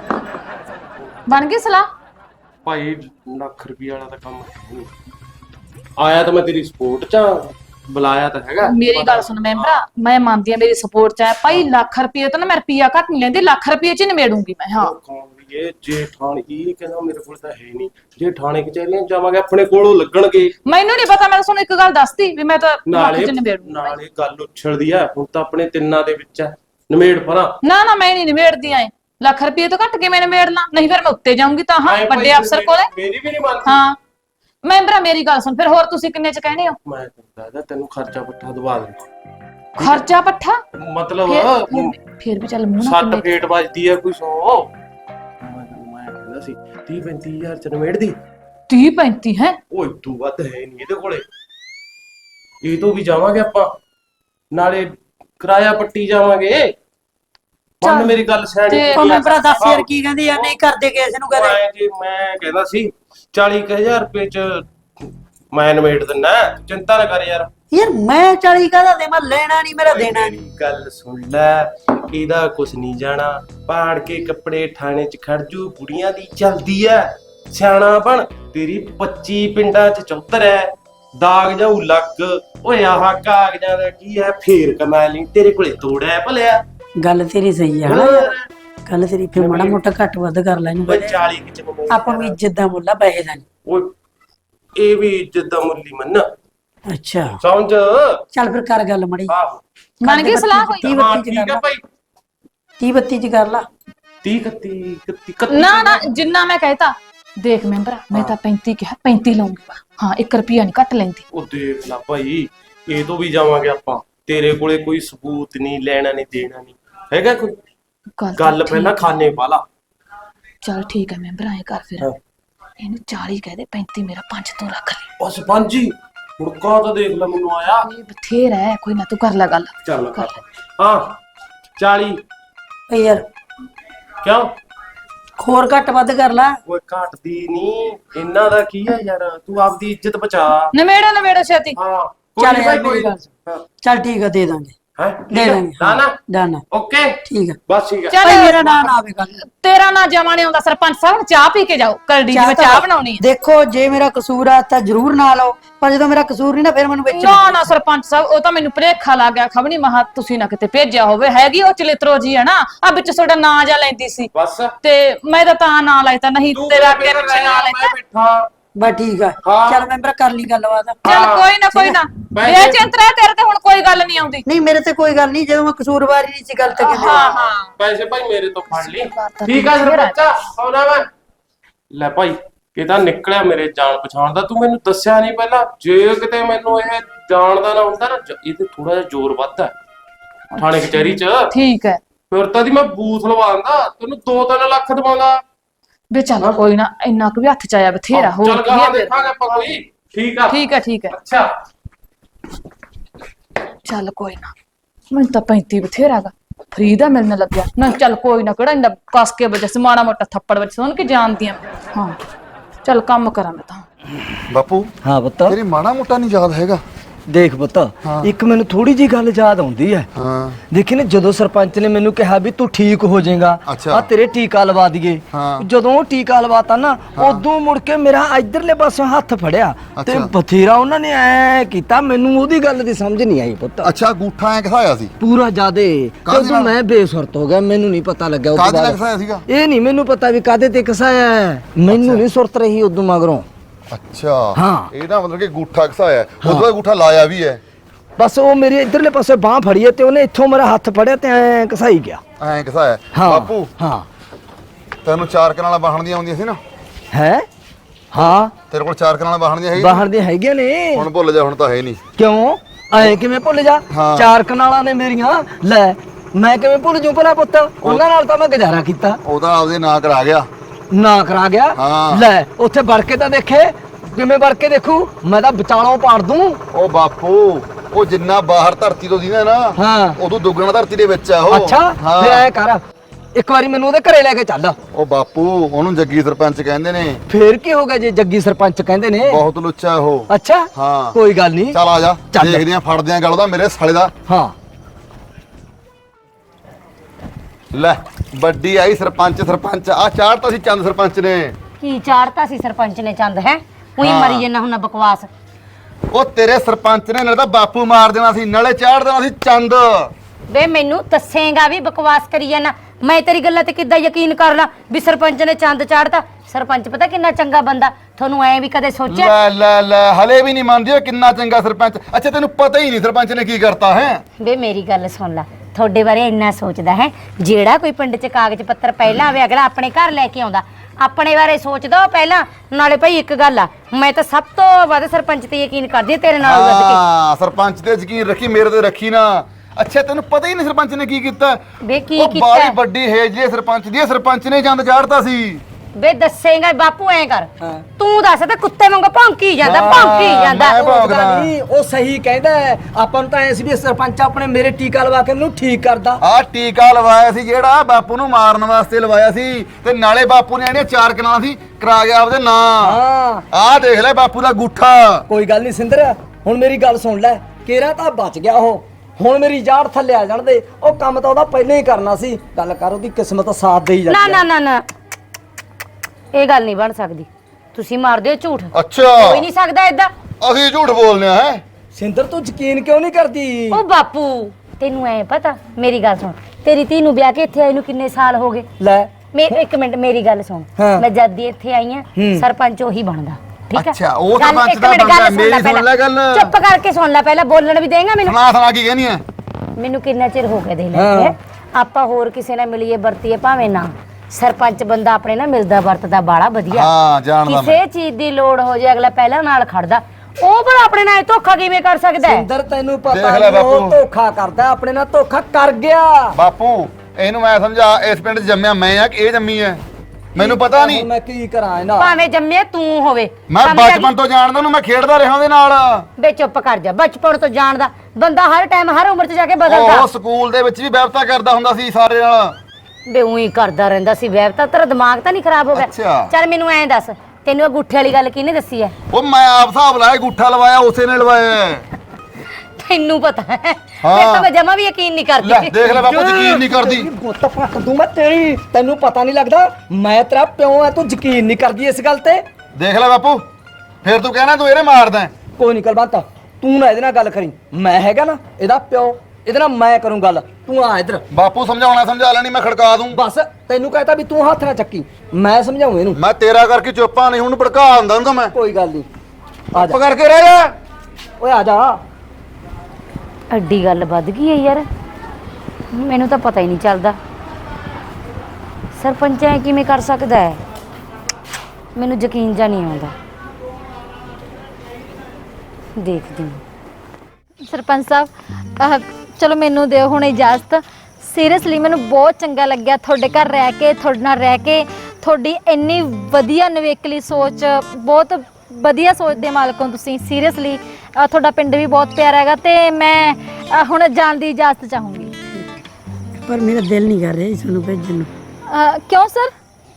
ਬਣ ਗਈ ਸਲਾਹ ਭਾਈ ਲੱਖ ਰੁਪਿਆ ਵਾਲਾ ਤਾਂ ਕੰਮ ਹੈ ਨਹੀਂ ਆਇਆ ਤਾਂ ਮੈਂ ਤੇਰੀ ਸਪੋਰਟ ਚ ਆਂ, ਬੁਲਾਇਆ ਤਾਂ ਹੈਗਾ ਮੇਰੀ ਗੱਲ ਸੁਣ ਮੈਂਬਰਾ ਮੈਂ ਮੰਨਦੀ ਆ ਮੇਰੀ ਸਪੋਰਟ ਚ ਹੈ ਭਾਈ ਲੱਖ ਰੁਪਏ ਤਾਂ ਨਾ ਮੈਂ ਰੁਪਿਆ ਘੱਟ ਨਹੀਂ ਲੈਂਦੀ ਲੱਖ ਰੁਪਏ ਚ ਹੀ ਨਿਬੇੜੂੰਗੀ ਮੈਂ ਹਾਂ ਇਹ ਜੇ ਥਾਣੇ ਇਹ ਕਹਿੰਦਾ ਮੇਰੇ ਕੋਲ ਤਾਂ ਹੈ ਨਹੀਂ ਜੇ ਥਾਣੇ ਕਚਹਿਰੀਆਂ ਜਾਵਾਂਗੇ ਆਪਣੇ ਕੋਲੋਂ ਲੱਗਣਗੇ ਮੈਨੂੰ ਨਹੀਂ ਪਤਾ ਮੈਂ ਤੁਹਾਨੂੰ ਇੱਕ ਗੱਲ ਦੱਸਦੀ ਵੀ ਮੈਂ ਤਾਂ ਲੱਖ ਨਾਲੇ ਚ ਨਿਬੇੜੂੰਗੀ ਨਾਲੇ ਗੱਲ ਉਛਲਦੀ ਆ ਹੁਣ ਤਾਂ ਆਪਣੇ ਤਿੰਨਾਂ ਦੇ ਵਿੱਚ ਆ ਨਮੇੜ ਪਰਾਂ ਨਾ ਨਾ ਮੈਂ ਨਹੀਂ ਨਿਬੇੜਦੀ ਐ ਲੱਖ ਰੁਪਏ ਤੋਂ ਘੱਟ ਕਿਵੇਂ ਨਿਬੇੜਨਾ ਨਹੀਂ ਫਿਰ ਮੈਂ ਉੱਤੇ ਜਾਊਂਗੀ ਤਾਂ ਹਾਂ ਐਂ ਭਾਈ ਵੱਡੇ ਅਫਸਰ ਕੋਲੇ ਮੇਰੀ ਵੀ ਨਹੀਂ ਮੰਨਦੀ ਹਾਂ ਮੈਂਬਰਾ ਮੇਰੀ ਗੱਲ ਸੁਣ ਫਿਰ ਹੋਰ ਤੁਸੀਂ ਕਿੰਨੇ ਚ ਕਹਿਣੇ ਹੋ ਮੈਂ ਕਹਿੰਦਾ ਇਹਦਾ ਤੈਨੂੰ ਖਰਚਾ ਪੱਠਾ ਦਵਾ ਦੇ ਖਰਚਾ ਪੱਠਾ ਮਤਲਬ ਫਿਰ ਫਿਰ ਵੀ ਚੱਲ ਮੂੰਹ ਨਾ ਸੱਟ ਕਿੰਨੇ ਫੇਟ ਵੱਜਦੀ ਆ ਕੋਈ ਸੌ ਮੈਂ ਮੈਂ ਕਹਿੰਦਾ ਸੀ ਤੀਹ ਪੈਂਤੀ ਹਜ਼ਾਰ ਚ ਨਮੇੜਦੀ ਤੀਹ ਪੈਂਤੀ ਹੈ ਓਏ ਤੂੰ ਵੱਧ ਹੈ ਨਹੀਂ ਇਹਦੇ ਕੋਲੇ ਇਹ ਤੋਂ ਵੀ ਜਾਵਾਂਗੇ ਆਪਾਂ ਨਾਲੇ ਕਿਰਾਇਆ ਪੱਟੀ ਜਾਵਾਂਗੇ ਮੰਨ ਮੇਰੀ ਗੱਲ ਸਿਆਣੀ ਤੇ- ਉਹ ਮੈਂ ਭਰਾ ਦੱਸ ਯਾਰ ਕੀ ਕਹਿੰਦੀ ਯਾਰ, ਨਹੀਂ ਕਰਦੇ ਕਿਸੇ ਨੂੰ ਕਦੇ। ਮੈਂ ਜੇ ਮੈਂ ਕਹਿੰਦਾ ਸੀ ਚਾਲੀ ਕੁ ਹਜ਼ਾਰ ਰੁਪਏ ਚ ਮੈਂ ਨਵੇੜ ਦਿੰਨਾ ਤੂੰ ਚਿੰਤਾ ਨਾ ਕਰ ਯਾਰ ਯਾਰ ਮੈਂ ਚਾਲੀ ਕਹਦਾ ਦੇ, ਮੈਂ ਲੈਣਾ ਨਹੀਂ, ਮੇਰਾ ਦੇਣਾ ਨਹੀਂ। ਮੇਰੀ ਗੱਲ ਸੁਣ ਲੈ ਇਹਦਾ ਕੁਛ ਨਹੀਂ ਜਾਣਾ ਪਾੜ ਕੇ ਕੱਪੜੇ ਥਾਣੇ ਚ ਖੜਜੂ ਬੁੜੀਆਂ ਦੀ ਚਲਦੀ ਐ ਸਿਆਣਾ ਬਣ ਤੇਰੀ ਪੱਚੀ ਪਿੰਡਾਂ ਚ ਚੌਧਰ ਐ ਦਾਗ ਜਾਊ ਲੱਗ ਓਏ ਆਹ ਕਾਗਜ਼ਾਂ ਦਾ ਕੀ ਐ ਫੇਰ ਕਮਾ ਲਈ ਤੇਰੇ ਕੋਲੇ ਤੋੜ ਐ ਭਲਿਆ ਗੱਲ ਤੇਰੀ ਸਹੀ ਆ ਹਨਾ ਯਾਰ, ਗੱਲ ਤੇਰੀ ਫਿਰ ਮਾੜਾ ਮੋਟਾ ਘੱਟ ਵੱਧ ਕਰ ਲੈ ਇਹਨੂੰ ਓਏ ਕਦੇ। ਚਾਲੀ ਕਿਚ ਨਵੇੜ ਆਪਾਂ ਨੂੰ ਇੱਜ਼ਤ ਦਾ ਮੁੱਲ ਆ, ਪੈਸੇ ਦਾ ਨਹੀਂ। ਓਏ ਇਹ ਵੀ ਇੱਜ਼ਤ ਦਾ ਮੁੱਲੀ ਮੰਨ ਅੱਛਾ ਸਮਝ ਚੱਲ ਫਿਰ ਕਰ ਗੱਲ ਮੜੀ। ਆਹੋ ਬਣ ਗਈ ਸਲਾਹ ਹੋਈ ਤੀਹ ਹਾਂ ਬੱਤੀ ਚ ਠੀਕ ਕਰ ਆ ਲਾ, ਭਾਈ ਤੀਹ ਬੱਤੀ ਚ ਕਰ ਲਾ। ਤੀਹ ਇਕੱਤੀ ਇਕੱਤੀ ਇਕੱਤੀ ਨਾ ਨਾ ਜਿੰਨਾ ਮੈਂ ਕਹਿਤਾ ਦੇਖ ਮੈਂਬਰਾ ਮੈਂ ਤਾਂ ਪੈਂਤੀ ਕਿਹਾ ਪੈਂਤੀ ਲਊਂਗੀ ਬਾ ਹਾਂ ਇੱਕ ਰੁਪਿਆ ਨਹੀਂ ਘੱਟ ਲੈਂਦੀ ਉਹ ਦੇਖ ਲਾ ਭਾਈ ਇਹ ਤੋਂ ਵੀ ਜਾਵਾਂਗੇ ਆਪਾਂ ਤੇਰੇ ਕੋਲੇ ਕੋਈ ਸਬੂਤ ਨਹੀਂ ਲੈਣਾ ਨਹੀਂ ਦੇਣਾ ਨਹੀਂ ਹੈਗਾ ਕੋਈ ਤਾਂ ਗੱਲ ਠੀਕ ਪਹਿਲਾਂ ਖਾਨੇ ਪਾ ਲਾ ਚੱਲ ਠੀਕ ਹੈ ਮੈਂਬਰਾ ਐ ਕਰ ਫਿਰ ਹਾਂ। ਇਹਨੂੰ ਚਾਲੀ ਕਹਿ ਦੇ ਪੈਂਤੀ ਮੇਰਾ ਪੰਜ ਤੋਂ ਰੱਖ ਲਈ ਬਸ ਪੰਜੀ ਹੁੜਕਾ ਤਾਂ ਦੇਖ ਲੈ ਮੈਨੂੰ ਆਇਆ ਇਹ ਬਥੇਰਾ ਹੈ ਕੋਈ ਨਾ ਤੂੰ ਕਰ ਲੈ ਗੱਲ ਚੱਲ ਕਰ ਹਾਂ ਚਾਲੀ ਓਏ ਯਾਰ ਕਿਉਂ ਖੋਰ ਘੱਟ ਵੱਧ ਕਰ ਲਾ। ਓਏ ਘਾਟਦੀ ਨਹੀਂ ਇਹਨਾਂ ਦਾ ਕੀ ਹੈ ਯਾਰ ਤੂੰ ਆਪਦੀ ਇੱਜ਼ਤ ਬਚਾ ਨਵੇੜੋ ਨਵੇੜੋ ਛੇਤੀ ਹਾਂ ਚੱਲ ਕੋਈ ਯਾਰ ਭਾਈ ਮੇਰੀ ਕੋਈ ਗੱਲ ਸੁਣ। ਚੱਲ ਠੀਕ ਆ, ਦੇ ਦਾਂਗੇ ਹੈ ਦੇ ਦਾਂਗੇ ਨਾ ਨਾ ਡਨ ਓਕੇ ਠੀਕ ਆ। ਬਸ ਠੀਕ ਹੈ ਚੱਲ ਭਾਈ ਮੇਰਾ ਨਾਂ ਨਾ ਆਵੇ ਗੱਲ। ਤੇਰਾ ਨਾ ਜਮਾ ਨਹੀਂ ਆਉਂਦਾ ਸਰਪੰਚ ਸਾਹਿਬ ਚਾਹ ਪੀ ਕੇ ਜਾਓ ਕਰਡੀ ਦੀ ਮੈਂ ਤਾਂ ਚਾਹ ਬਣਾਉਣੀ ਹੈ ਦੇਖੋ ਜੇ ਮੇਰਾ ਕਸੂਰ ਆ ਤਾਂ ਜ਼ਰੂਰ ਨਾ ਲਓ, ਪਰ ਜਦੋਂ ਮੇਰਾ ਕਸੂਰ ਨਹੀਂ ਨਾ ਫਿਰ ਮੈਨੂੰ ਵਿੱਚ ਨਾ ਨਾ ਸਰਪੰਚ ਸਾਹਿਬ ਉਹ ਤਾਂ ਮੈਨੂੰ ਭੁਲੇਖਾ ਲੱਗ ਗਿਆ ਖਬਣੀ ਮਹਾ ਤੁਸੀਂ ਨਾ ਕਿਤੇ ਭੇਜਿਆ ਹੋਵੇ ਹੈਗੀ ਉਹ ਚਲਿਤਰੋ ਜੀ ਹੈ ਨਾ ਆ ਵਿੱਚ ਤੁਹਾਡਾ ਨਾਂ ਜਾ ਲੈਂਦੀ ਸੀ ਬਸ ਤੇ ਮੈਂ ਤਾਂ ਤਾਂ ਨਾਂ ਲਾਇਤਾ ਨਹੀਂ ਤੂੰ ਤੇਰਾ ਮੇਰੇ ਅੱਗੇ ਪਿੱਛੇ ਨਾਂ ਮੈਂ ਲੈਤਾ ਬੈਠਾ ਬਸ ਠੀਕ ਆ। ਹਾਂ। ਚੱਲ ਮੈਂਬਰ ਕਰ ਲਈ ਗੱਲਬਾਤ। ਚੱਲ ਹਾਂ, ਕੋਈ ਨਾ ਕੋਈ ਨਾ ਮੈਂ- ਬੇਚਿੰਤ ਰਹਿ ਤੇਰੇ ਤੇ ਹੁਣ ਕੋਈ ਗੱਲ ਨਹੀਂ ਆਉਂਦੀ ਨਹੀਂ ਮੇਰੇ ਤੇ ਕੋਈ ਗੱਲ ਨਹੀਂ, ਜਦੋਂ ਮੈਂ ਕਸੂਰਵਾਰ ਹੀ ਨਹੀਂ ਸੀ ਗੱਲ ਤੇ ਹਾਂ ਕਿਤੇ। ਹਾਂ ਪੈਸੇ ਭਾਈ ਮੇਰੇ ਤੋਂ ਫੜ ਲਈ ਤਾਂ ਠੀਕ ਆ ਤੂੰ ਸਰਪੰਚਾ ਆਉਣਾ ਮੈਂ ਲੈ ਭਾਈ ਇਹ ਤਾਂ ਨਿਕਲਿਆ ਮੇਰੇ ਜਾਣ ਪਛਾਣ ਦਾ ਤੂੰ ਮੈਨੂੰ ਦੱਸਿਆ ਨਹੀਂ ਪਹਿਲਾਂ ਜੇ ਕਿਤੇ ਮੈਨੂੰ ਇਹ ਜਾਣਦਾ ਨਾ ਹੁੰਦਾ ਨਾ ਜ- ਇਹਦੇ ਥੋੜਾ ਜਿਹਾ ਜ਼ੋਰ ਵੱਧ ਹੈ ਥਾਣੇ ਕਚਹਿਰੀ ਚ ਠੀਕ ਹੈ ਫਿਰ ਤਾਂ ਦੀ ਮੈਂ ਬੂਥ ਲਵਾਉਂਦਾ ਤੈਨੂੰ ਦੋ ਤਿੰਨ ਲੱਖ ਦਵਾਉਂਦਾ। ਵੇ ਚੱਲ ਕੋਈ ਨਾ ਇੰਨਾ ਕੁ ਵੀ ਹੱਥ ਚ ਆਇਆ ਬਥੇਰਾ ਹੋ ਚੱਲ ਗਾਹਾਂ ਦੇਖਾਂਗੇ ਆਪਾਂ ਕੋਈ। ਠੀਕ ਆ ਠੀਕ ਹੈ ਠੀਕ ਹੈ ਅੱਛਾ ਚੱਲ ਕੋਈ ਨਾ ਮੈਨੂੰ ਤਾਂ ਪੈਂਤੀ ਬਥੇਰਾ ਗਾ ਫਰੀ ਦਾ ਮਿਲਣ ਲੱਗਿਆ ਨਾ। ਚੱਲ ਕੋਈ ਨਾ ਕਿਹੜਾ ਇੰਨਾ ਕਸ ਕੇ ਵਜੇ ਮਾੜਾ ਮੋਟਾ ਥੱਪੜ ਵਿੱਚ ਸੁਣ ਕੇ ਜਾਣਦੀਆਂ ਹਾਂ। ਚੱਲ ਕੰਮ ਕਰਾਂ ਮੈਂ ਤਾਂ। ਬਾਪੂ ਹਾਂ ਪੁੱਤ ਤੇਰੀ ਮਾੜਾ ਮੋਟਾ ਨਹੀਂ ਯਾਦ ਹੈਗਾ? ਦੇਖ ਪੁੱਤ ਇੱਕ ਮੈਨੂੰ ਥੋੜੀ ਜੀ ਗੱਲ ਯਾਦ ਆਉਂਦੀ ਹੈ। ਹਾਂ ਦੇਖੀ ਨਾ ਜਦੋਂ ਸਰਪੰਚ ਨੇ ਮੈਨੂੰ ਕਿਹਾ ਵੀ ਤੂੰ ਠੀਕ ਹੋ ਜਾਏਗਾ ਅੱਛਾ। ਆ ਤੇਰੇ ਟੀਕਾ ਲਵਾ ਦਈਏ। ਹਾਂ। ਜਦੋਂ ਉਹ ਟੀਕਾ ਲਵਾਤਾ ਨਾ ਉਦੋਂ ਮੁੜ ਕੇ ਮੇਰਾ ਇਧਰਲੇ ਪਾਸੋਂ ਹੱਥ ਫੜਿਆ ਤੇ ਅੱਛਾ। ਬਥੇਰਾ ਉਹਨਾਂ ਨੇ ਐ ਕੀਤਾ ਮੈਨੂੰ ਉਹਦੀ ਗੱਲ ਦੀ ਸਮਝ ਨਹੀਂ ਆਈ ਪੁੱਤ। ਅੱਛਾ ਗੂਠਾ ਐ ਘਸਾਇਆ ਸੀ? ਪੂਰਾ ਜਿਆਦੇ ਕਾਹਦੇ ਜਦੋਂ ਨਾਲ? ਮੈਂ ਬੇਸੁਰਤ ਹੋ ਗਿਆ ਮੈਨੂੰ ਨਹੀਂ ਪਤਾ ਲੱਗਿਆ ਉਦੋਂ ਕਾਹਦੇ ਨਾਲ ਬਾਅਦ। ਘਸਾਇਆ ਸੀਗਾ? ਇਹ ਨਹੀਂ ਮੈਨੂੰ ਪਤਾ ਵੀ ਕਾਦੇ ਤੇ ਘਸਾਇਆ ਹੈ। ਮੈਨੂੰ ਨਹੀਂ ਸੁਰਤ ਰਹੀ ਉਦੋਂ ਮਗਰੋਂ। ਅੱਛਾ ਹਾਂ। ਇਹਦਾ ਮਤਲਬ ਕਿ ਗੂਠਾ ਘਸਾਇਆ ਉਦੋਂ ਬਾਅਦ ਗੂਠਾ ਲਾਇਆ ਵੀ ਹੈ? ਬਸ ਉਹ ਮੇਰੇ ਇਧਰਲੇ ਪਾਸੇ ਬਾਹ ਫੜੀ ਹੈ ਤੇ ਉਹਨੇ ਇੱਥੋਂ ਮੇਰਾ ਹੱਥ ਫੜਿਆ ਤੇ ਐ ਘਸਾਈ ਗਿਆ। ਐਂ ਘਸਾਇਆ? ਹਾਂ ਬਾਪੂ ਹਾਂ ਤੈਨੂੰ ਚਾਰ ਕਨਾਲਾਂ ਬਾਹਣ ਦੀਆਂ ਆਉਂਦੀਆਂ ਸੀ ਨਾ? ਹੈ ਹਾਂ ਤੇਰੇ ਕੋਲ ਚਾਰ ਕਨਾਲਾਂ ਬਾਹਣ ਦੀਆਂ ਹੈਗੀਆਂ? ਬਾਹਰ ਦੇ ਹੈਗੇ ਨੇ। ਹੁਣ ਭੁੱਲ ਜਾ, ਹੁਣ ਤਾਂ ਹੈ ਨਹੀਂ। ਕਿਉਂ ਐ ਕਿਵੇਂ ਭੁੱਲ ਜਾ? ਹਾਂ। ਚਾਰ ਕਨਾਲਾਂ ਨੇ ਮੇਰੀਆਂ ਲੈ ਮੈਂ ਕਿਵੇਂ ਭੁੱਲ ਜੂ ਭਲਾ ਪੁੱਤ? ਉਹਨਾਂ ਨਾਲ ਤਾਂ ਮੈਂ ਗੁਜ਼ਾਰਾ ਕੀਤਾ। ਉਹਦਾ ਆਪਦੇ ਨਾਂ ਕਰਾ ਗਿਆ। ਨਾ ਕਰਾ ਗਿਆ ਹਾਂ। ਲੈ ਉੱਥੇ ਵੜ ਕੇ ਤਾਂ ਦੇਖੇ ਕਿਵੇਂ ਵੜ ਕੇ ਦੇਖੂ ਮੈਂ ਤਾਂ ਵਿਚਾਲੋਂ ਪਾੜ ਦੂੰ। ਉਹ ਬਾਪੂ ਉਹ ਜਿੰਨਾ ਬਾਹਰ ਧਰਤੀ ਤੋਂ ਦੀ ਨਾ ਹਾਂ। ਉਦੋਂ ਦੁੱਗਣਾ ਧਰਤੀ ਦੇ ਵਿੱਚ ਆ ਉਹ। ਅੱਛਾ ਹਾਂ। ਫਿਰ ਐ ਕਰ ਇੱਕ ਵਾਰੀ ਮੈਨੂੰ ਉਹਦੇ ਘਰੇ ਲੈ ਕੇ ਚੱਲ। ਉਹ ਬਾਪੂ ਉਹਨੂੰ ਜੱਗੀ ਸਰਪੰਚ ਕਹਿੰਦੇ ਨੇ। ਫੇਰ ਕੀ ਹੋ ਗਿਆ ਜੇ ਜੱਗੀ ਸਰਪੰਚ ਕਹਿੰਦੇ ਨੇ? ਬਹੁਤ ਲੁੱਚਾ ਉਹ। ਅੱਛਾ ਹਾਂ। ਕੋਈ ਗੱਲ ਨਹੀਂ ਚੱਲ ਆ ਜਾ ਚੱਲ। ਦੇਖਦੇ ਆਂ ਫੜਦੇ ਆਂ ਗੱਲ ਉਹਦਾ ਮੇਰੇ ਸਾਲੇ ਦਾ। ਹਾਂ ਲੈ ਵੱਡੀ ਆਈ ਸਰਪੰਚ ਸਰਪੰਚ ਆ ਚਾੜਤਾ ਸੀ ਚੰਦ ਸਰਪੰਚ ਨੇ। ਕੀ ਚਾੜਤਾ ਸੀ ਸਰਪੰਚ ਨੇ ਚੰਦ ਹੈ ਉਹੀ ਹਾਂ। ਮਰੀ ਜੰਨਾ ਹੁਣ ਬਕਵਾਸ। ਉਹ ਤੇਰੇ ਸਰਪੰਚ ਨੇ ਨਾਲੇ ਤਾਂ ਬਾਪੂ ਮਾਰ ਦੇਣਾ ਸੀ ਨਾਲੇ ਚਾੜ ਦੇਣਾ ਸੀ ਚੰਦ। ਵੇ ਮੈਨੂੰ ਦੱਸੇਗਾ ਵੀ ਬਕਵਾਸ ਕਰੀ ਜਾਣਾ? ਮੈਂ ਤੇਰੀ ਗੱਲਾਂ ਤੇ ਕਿੱਦਾਂ ਯਕੀਨ ਕਰ ਲਾਂ ਵੀ ਸਰਪੰਚ ਨੇ ਚੰਦ ਚਾੜਤਾ? ਸਰਪੰਚ ਪਤਾ ਕਿੰਨਾ ਚੰਗਾ ਬੰਦਾ, ਤੁਹਾਨੂੰ ਐ ਵੀ ਕਦੇ ਸੋਚਿਆ? ਲੈ ਲੈ ਲੈ ਹਲੇ ਵੀ ਨਹੀਂ ਮੰਨਦੀ ਉਹ ਕਿੰਨਾ ਚੰਗਾ ਸਰਪੰਚ। ਅੱਛਾ ਤੈਨੂੰ ਪਤਾ ਹੀ ਨਹੀਂ ਸਰਪੰਚ ਨੇ ਕੀ ਕਰਤਾ ਹੈ? ਵੇ ਮੇਰੀ ਗੱਲ ਸੁਣ ਲੈ, ਤੁਹਾਡੇ ਬਾਰੇ ਇੰਨਾ ਸੋਚਦਾ ਹੈ ਜਿਹੜਾ ਕੋਈ ਪਿੰਡ 'ਚ ਕਾਗਜ਼ ਪੱਤਰ ਪਹਿਲਾਂ ਆਵੇ ਅਗਲਾ ਆਪਣੇ ਘਰ ਲੈ ਕੇ ਆਉਂਦਾ। ਆਪਣੇ ਬਾਰੇ ਸੋਚਦਾ ਉਹ ਪਹਿਲਾਂ। ਨਾਲੇ ਭਾਈ ਇੱਕ ਗੱਲ ਆ, ਮੈਂ ਤਾਂ ਸਭ ਤੋਂ ਵੱਧ ਸਰਪੰਚ ਤੇ ਯਕੀਨ ਕਰਦੀ ਤੇਰੇ ਨਾਲ ਵੱਧ ਕੇ। ਹਾਂ ਸਰਪੰਚ ਤੇ ਯਕੀਨ ਰੱਖੀ ਮੇਰੇ ਤੇ ਰੱਖੀ ਨਾ। ਅੱਛਾ ਤੈਨੂੰ ਪਤਾ ਹੀ ਨਹੀਂ ਸਰਪੰਚ ਨੇ ਕੀ ਕੀਤਾ? ਵੇ ਕੀ ਉਹ ਕੀਤਾ? ਬਾਲੀ ਵੱਡੀ ਹੇਜਲੀ ਸਰਪੰਚ ਦੀ ਸਰਪੰਚ ਨੇ ਚੰਦ ਚਾੜਤਾ ਸੀ। ਵੇ ਦੱਸੇਗਾ ਬਾਪੂ ਐ ਕਰ ਤੂੰ ਦੱਸ ਤੇ ਕੁੱਤੇ ਵਾਂਗੂ ਭੌਂਕੀ ਜਾਂਦਾ ਭੌਂਕੀ ਜਾਂਦਾ। ਮੈਂ ਉਹ ਗੱਲ ਭੌਂਕਦਾ। ਨਹੀਂ, ਉਹ ਸਹੀ ਕਹਿੰਦਾ ਹੈ। ਆਪਾਂ ਨੂੰ ਤਾਂ ਐ ਸੀ ਵੀ ਸਰਪੰਚ ਆਪਣੇ ਮੇਰੇ ਟੀਕਾ ਲਵਾ ਕੇ ਮੈਨੂੰ ਠੀਕ ਕਰਦਾ। ਆਹ ਟੀਕਾ ਲਵਾਇਆ ਸੀ ਜਿਹੜਾ ਬਾਪੂ ਨੂੰ ਮਾਰਨ ਵਾਸਤੇ ਲਵਾਇਆ ਸੀ ਤੇ ਨਾਲੇ ਬਾਪੂ ਨੇ ਇਹਨੇ ਚਾਰ ਕਨਾਲਾਂ ਸੀ ਕਰਾ ਗਿਆ ਆਪਦੇ ਨਾਂ। ਹਾਂ ਆਹ ਦੇਖ ਲੈ ਬਾਪੂ ਦਾ ਗੁੱਠਾ। ਕੋਈ ਗੱਲ ਨਹੀਂ ਸਿੰਦਰ ਹੁਣ ਮੇਰੀ ਗੱਲ ਸੁਣ ਲੈ। ਕੇਰਾ ਤਾਂ ਬਚ ਗਿਆ ਉਹ, ਹੁਣ ਮੇਰੀ ਜਾੜ ਥੱਲੇ ਆ ਜਾਣ ਦੇ। ਉਹ ਕੰਮ ਤਾਂ ਉਹਦਾ ਪਹਿਲਾਂ ਹੀ ਕਰਨਾ ਸੀ। ਗੱਲ ਕਰ ਉਹਦੀ ਕਿਸਮਤ ਸਾਥ ਦੇ ਹੀ ਨਾ ਜਾਂਦੀ ਨਾ ਨਾ ਨਾ ਇਹ ਗੱਲ ਨਹੀਂ ਬਣ ਸਕਦੀ। ਤੁਸੀਂ ਮਾਰਦੇ ਹੋ ਝੂਠ। ਅੱਛਾ ਕੋਈ ਨਹੀਂ ਸਕਦਾ ਏਦਾਂ। ਅਸੀਂ ਝੂਠ ਬੋਲਨੇ ਆ ਹੈ? ਸਿੰਦਰ ਤੂੰ ਯਕੀਨ ਕਿਉਂ ਨਹੀਂ ਕਰਦੀ? ਉਹ ਬਾਪੂ ਤੈਨੂੰ ਐ ਪਤਾ, ਮੇਰੀ ਗੱਲ ਸੁਣ, ਤੇਰੀ ਧੀ ਨੂੰ ਵਿਆਹ ਕੇ ਇੱਥੇ ਆਈ ਨੂੰ ਕਿੰਨੇ ਸਾਲ ਹੋ ਗਏ? ਲੈ ਮੈਂ ਇੱਕ ਮਿੰਟ ਮੇਰੀ ਗੱਲ ਸੁਣ, ਹਾਂ। ਮੈਂ ਜਦ ਦੀ ਇੱਥੇ ਆਈ ਆ ਹੂੰ। ਸਰਪੰਚ ਉਹੀ ਬਣਦਾ। ਠੀਕ ਆ? ਅੱਛਾ, ਉਹ ਗੱਲ- ਸਰਪੰਚ ਇੱਕ ਦਾ ਮਿੰਟ, ਗੱਲ ਬਣਦਾ, ਸੁਣ ਮੇਰੀ ਸੁਣ ਪਹਿਲਾਂ। ਲੈ ਗੱਲ। ਚੁੱਪ ਕਰਕੇ ਸੁਣ ਲੈ ਪਹਿਲਾਂ, ਬੋਲਣ ਵੀ ਦੇਗਾ ਮੈਨੂੰ? ਸੁਣਾ ਸੁਣਾ ਕੀ ਕਹਿਨੀ ਹੈ? ਮੈਨੂੰ ਕਿੰਨਾ ਚਿਰ ਹੋ ਗਿਆ ਦੇਖ ਲੈ ਹਾਂ। ਇੱਥੇ। ਆਪਾਂ ਹੋਰ ਕਿਸੇ ਨਾਲ ਮਿਲੀਏ ਵਰਤੀਏ ਭਾਵੇਂ ਨਾ, ਸਰਪੰਚ ਬੰਦਾ ਆਪਣੇ ਨਾਲ ਮਿਲਦਾ ਵਰਤਦਾ ਬਾਲਾ ਵਧੀਆ। ਹਾਂ, ਜਾਣਦਾ ਕਿਸੇ ਚੀਜ਼ ਦੀ ਲੋੜ ਹੋ ਜਾਏ ਅਗਲਾ ਪਹਿਲਾਂ ਨਾਲ ਖੜਦਾ। ਉਹ ਪਰ ਆਪਣੇ ਨਾਲ ਇਹ ਧੋਖਾ ਕਿਵੇਂ ਕਰ ਸਕਦਾ ਹੈ? ਸਿੰਦਰ ਤੈਨੂੰ ਦੇਖ ਪਤਾ ਲੈ ਨਹੀਂ ਉਹ ਬਾਪੂ। ਧੋਖਾ ਕਰਦਾ, ਆਪਣੇ ਨਾਲ ਧੋਖਾ ਕਰ ਗਿਆ। ਬਾਪੂ ਇਹਨੂੰ ਮੈਂ ਸਮਝਾ ਇਸ ਪਿੰਡ 'ਚ ਜੰਮਿਆ ਮੈਂ ਆ ਕਿ ਇਹ ਜੰਮੀ ਹੈ? ਮੈਨੂੰ ਪਤਾ ਨਹੀਂ। ਹੁਣ ਮੈਂ ਕੀ ਕਰਾਂ ਇਹਨਾਂ? ਭਾਵੇਂ ਜੰਮੇ ਤੂੰ ਹੋਵੇ। ਮੈਂ ਸਮਝ ਆ ਗਈ? ਬਚਪਨ ਤੋਂ ਜਾਣਦਾ ਉਹਨੂੰ, ਮੈਂ ਖੇਡਦਾ ਰਿਹਾ ਉਹਦੇ ਨਾਲ। ਬੇ ਚੁੱਪ ਕਰ ਜਾ, ਬਚਪਨ ਤੋਂ ਜਾਣਦਾ ਬੰਦਾ ਹਰ ਟਾਈਮ ਹਰ ਉਮਰ 'ਚ ਜਾ ਕੇ ਬਦਲਦਾ। ਉਹ ਸਕੂਲ ਦੇ ਵਿੱਚ ਵੀ ਵਿਵਸਥਾ ਕਰਦਾ ਹੁੰਦਾ ਸੀ ਸਾਰੇ ਨਾਲ। ਬੇ ਉਹੀ ਕਰਦਾ ਰਹਿੰਦਾ ਸੀ ਵੈਬ। ਤੇਰਾ ਦਿਮਾਗ ਤਾਂ ਨਹੀਂ ਖਰਾਬ ਹੋ ਗਿਆ? ਅੱਛਾ। ਚੱਲ ਮੈਨੂੰ ਐਂ ਦੱਸ, ਤੈਨੂੰ ਇਹ ਗੁੱਠੇ ਵਾਲੀ ਗੱਲ ਕਿਹਨੇ ਦੱਸੀ ਹੈ? ਉਹ ਮੈਂ ਆਪ ਹਿਸਾਬ ਲਾਇਆ, ਗੁੱਠਾ ਲਵਾਇਆ ਉਸੇ ਨੇ ਲਵਾਇਆ ਹੈ। ਤੈਨੂੰ ਪਤਾ ਹੈ? ਹਾਂ। ਫਿਰ ਤਾਂ ਮੈਂ ਜਮਾ ਵੀ ਯਕੀਨ ਨਹੀਂ ਲੈ ਕਰਦੀ। ਦੇਖ ਲੈ ਬਾਪੂ ਯਕੀਨ ਨਹੀਂ ਕਰਦੀ। ਗੁੱਤ ਫੱਕ ਦੂੰ ਮੈਂ ਤੇਰੀ। ਤੈਨੂੰ ਪਤਾ ਨਹੀਂ ਲੱਗਦਾ ਮੈਂ ਤੇਰਾ ਪਿਓ ਐ, ਤੂੰ ਯਕੀਨ ਨਹੀਂ ਕਰਦੀ ਇਸ ਗੱਲ ਤੇ। ਦੇਖ ਲੈ ਬਾਪੂ ਫਿਰ ਤੂੰ ਕਹਿਣਾ ਤੂੰ ਇਹਨੇ ਮਾਰਦਾ ਹੈ। ਕੋਈ ਨਹੀਂ ਕਲਵੰਤ, ਤੂੰ ਨਾ ਇਹਦੇ ਨਾਲ ਗੱਲ ਕਰੀ। ਮੈਂ ਹੈਗਾ ਨਾ ਇਹਦਾ ਪਿਓ, ਇਹਦੇ ਨਾਲ ਮੈਂ ਕਰੂੰ ਗੱਲ। ਤੂੰ ਆ ਇੱਧਰ। ਬਾਪੂ ਸਮਝਾਉਣਾ ਸਮਝਾ ਲੈਣੀ, ਮੈਂ ਖੜਕਾ ਦੂੰ। ਬਸ ਤੈਨੂੰ ਕਹਤਾ ਵੀ ਤੂੰ ਹੱਥ ਨਾ ਚੱਕੀ, ਮੈਂ ਸਮਝਾਉਂ ਇਹਨੂੰ। ਮੈਂ ਤੇਰਾ ਕਰਕੇ ਚੁੱਪਾਂ ਨਹੀਂ, ਹੁਣ ਭੜਕਾ ਆਂਦਾ ਹੁੰਦਾ ਮੈਂ। ਕੋਈ ਗੱਲ ਨਹੀਂ, ਆ ਚੁੱਪ ਜਾ। ਕਰਕੇ ਰਹਿ ਜਾ। ਓਏ ਆ ਜਾ। ਐਡੀ ਗੱਲ ਵੱਧ ਗਈ ਹੈ ਯਾਰ, ਮੈਨੂੰ ਤਾਂ ਪਤਾ ਹੀ ਨਹੀਂ ਚੱਲਦਾ। ਸਰਪੰਚ ਐ ਕਿਵੇਂ ਕਰ ਸਕਦਾ ਹੈ? ਮੈਨੂੰ ਯਕੀਨ ਜਾਂ ਨਹੀਂ ਆਉਂਦਾ। ਦੇਖਦੀ ਹਾਂ। ਸਰਪੰਚ ਸਾਹਿਬ, ਅਹ, ਚਲੋ ਮੈਨੂੰ ਦਿਓ ਹੁਣ ਇਜਾਜ਼ਤ। ਸੀਰੀਅਸਲੀ ਮੈਨੂੰ ਬਹੁਤ ਚੰਗਾ ਲੱਗਿਆ ਤੁਹਾਡੇ ਘਰ ਰਹਿ ਕੇ, ਤੁਹਾਡੇ ਨਾਲ ਰਹਿ ਕੇ। ਤੁਹਾਡੀ ਇੰਨੀ ਵਧੀਆ ਨਿਵੇਕਲੀ ਸੋਚ, ਬਹੁਤ ਵਧੀਆ ਸੋਚ ਦੇ ਮਾਲਕ ਹੋ ਤੁਸੀਂ। ਸੀਰੀਅਸਲੀ ਤੁਹਾਡਾ ਪਿੰਡ ਵੀ ਬਹੁਤ ਪਿਆਰਾ ਹੈਗਾ ਤੇ ਮੈਂ ਅ, ਹੁਣ ਜਾਣ ਦੀ ਇਜਾਜ਼ਤ ਚਾਹੂੰਗੀ। ਪਰ ਮੇਰਾ ਦਿਲ ਨਹੀਂ ਕਰ ਰਿਹਾ ਜੀ ਤੁਹਾਨੂੰ ਭੇਜਣ ਨੂੰ। ਅ, ਕਿਉਂ ਸਰ?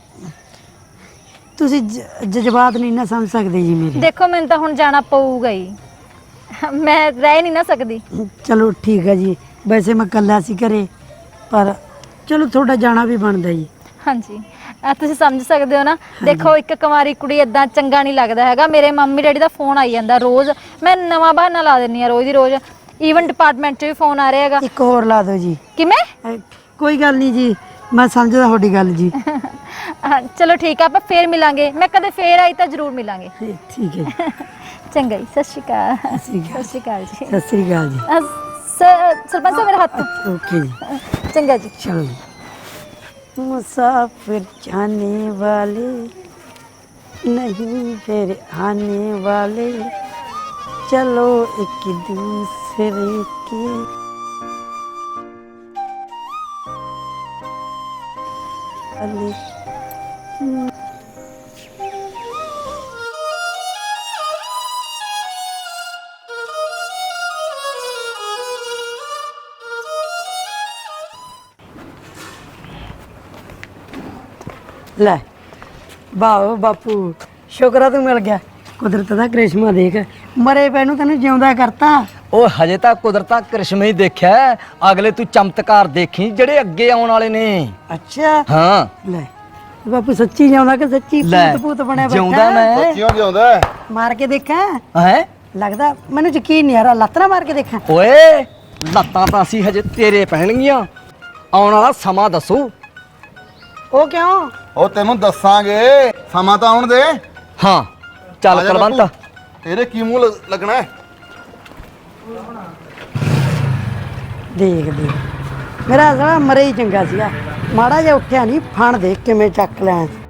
ਤੁਸੀਂ ਜ- ਜਜ਼ਬਾਤ ਨਹੀਂ ਨਾ ਸਮਝ ਸਕਦੇ ਜੀ ਮੇਰੇ। ਦੇਖੋ ਮੈਨੂੰ ਤਾਂ ਹੁਣ ਜਾਣਾ ਪਊਗਾ ਹੀ, ਮੈਂ ਰਹਿ ਨਹੀਂ ਨਾ ਸਕਦੀ। ਚਲੋ ਠੀਕ ਹੈ ਜੀ, ਵੈਸੇ ਮੈਂ ਇਕੱਲਾ ਸੀ ਘਰੇ, ਪਰ ਚਲੋ ਤੁਹਾਡਾ ਜਾਣਾ ਵੀ ਬਣਦਾ ਜੀ। ਹਾਂਜੀ ਅ, ਤੁਸੀਂ ਸਮਝ ਸਕਦੇ ਹੋ ਨਾ। ਦੇਖੋ ਇੱਕ ਕੁਮਾਰੀ ਕੁੜੀ ਇਦਾਂ ਚੰਗਾ ਨਹੀਂ ਲੱਗਦਾ ਹੈਗਾ। ਮੇਰੇ ਮੰਮੀ ਡੈਡੀ ਦਾ ਫੋਨ ਆਈ ਜਾਂਦਾ ਰੋਜ਼, ਮੈਂ ਨਵਾਂ ਬਹਾਨਾ ਲਾ ਦਿੰਨੀ ਆ ਰੋਜ਼ ਦੀ ਰੋਜ਼। ਈਵਨ ਡਿਪਾਰਟਮੈਂਟ 'ਚ ਵੀ ਫੋਨ ਆ ਰਿਹਾ ਹੈਗਾ। ਇੱਕ ਹੋਰ ਲਾ ਦਿਓ ਜੀ। ਕਿਵੇਂ? ਅ, ਕੋਈ ਗੱਲ ਨਹੀਂ ਜੀ, ਮੈਂ ਸਮਝਦਾ ਤੁਹਾਡੀ ਗੱਲ ਜੀ। ਹਾਂ, ਚਲੋ ਠੀਕ ਆ, ਆਪਾਂ ਫੇਰ ਮਿਲਾਂਗੇ। ਮੈਂ ਕਦੇ ਫੇਰ ਆਈ ਤਾਂ ਜ਼ਰੂਰ ਮਿਲਾਂਗੇ। ਠੀਕ ਹੈ ਜੀ। ਚੰਗਾ ਜੀ, ਸਤਿ ਸ਼੍ਰੀ ਅਕਾਲ। ਸਤਿ ਸ਼੍ਰੀ ਸਤਿ ਸ਼੍ਰੀ ਅਕਾਲ ਜੀ। ਸਤਿ ਸ੍ਰੀ ਅਕਾਲ ਜੀ। ਅ, ਸ- ਸਰਪੰਚ ਸਾਹਿਬ ਮੇਰਾ ਹੱਥ। ओके जी, ਚੰਗਾ ਜੀ। चलो। मुसाफिर जाने वाले नहीं फिर आने वाले, चलो एक दूसरे के वाले। ਲੈ ਵਾਹ ਬਾਪੂ, ਸ਼ੁਕਰ ਆ ਤੂੰ ਮਿਲ ਗਿਆ। ਕੁਦਰਤ ਦਾ ਕ੍ਰਿਸ਼ਮਾ ਦੇਖ, ਮਰੇ ਪੈ ਨੂੰ ਤੈਨੂੰ ਜਿਉਂਦਾ ਕਰਤਾ। ਉਹ ਹਜੇ ਤਾਂ ਕੁਦਰਤਾਂ ਕ੍ਰਿਸ਼ਮੇ ਹੀ ਦੇਖਿਆ ਹੈ। ਅਗਲੇ ਤੂੰ ਚਮਤਕਾਰ ਦੇਖੀ ਜਿਹੜੇ ਅੱਗੇ ਆਉਣ ਵਾਲੇ ਨੇ। ਅੱਛਾ ਹਾਂ ਲੈ ਬਾਪੂ, ਸੱਚੀ ਜਿਉਂਦਾ ਕਿ ਸੱਚੀ ਲੈ, ਭੂਤ ਭੂਤ ਬਣਿਆ ਜਿਉਂਦਾ ਮੈਂ। ਸੱਚੀਓ ਜਿਉਂਦਾ। ਮਾਰ ਕੇ ਦੇਖਾਂ? ਹੈ ਲੱਗਦਾ ਮੈਨੂੰ ਯਕੀਨ ਨਹੀਂ ਆ ਰਿਹਾ, ਲੱਤ ਨਾ ਮਾਰ ਕੇ ਦੇਖਾਂ। ਓਏ ਲੱਤਾਂ ਤਾਂ ਅਸੀਂ ਹਜੇ ਤੇਰੇ ਪਹਿਣਗੀਆਂ। ਆਉਣ ਵਾਲਾ ਸਮਾਂ ਦੱਸੂ। ਉਹ ਕਿਉਂ? ਉਹ ਤੈਨੂੰ ਦੱਸਾਂਗੇ, ਸਮਾਂ ਤਾਂ ਆਉਣ ਦੇ। ਹਾਂ ਚੱਲ ਆ ਜਾ ਕਲਵੰਤ। ਬਾਪੂ, ਤੇਰੇ ਕੀ ਮੂੰਹ ਲ- ਲੱਗਣਾ ਹੈ? ਦੇਖ ਦੇਖ, ਮੇਰਾ ਸਾਲਾ ਮਰੇ ਹੀ ਚੰਗਾ ਸੀਗਾ। ਮਾੜਾ ਜਿਹਾ ਉੱਠਿਆ ਨਹੀਂ, ਫਣ ਦੇਖ ਕਿਵੇਂ ਚੱਕ ਲਿਆ।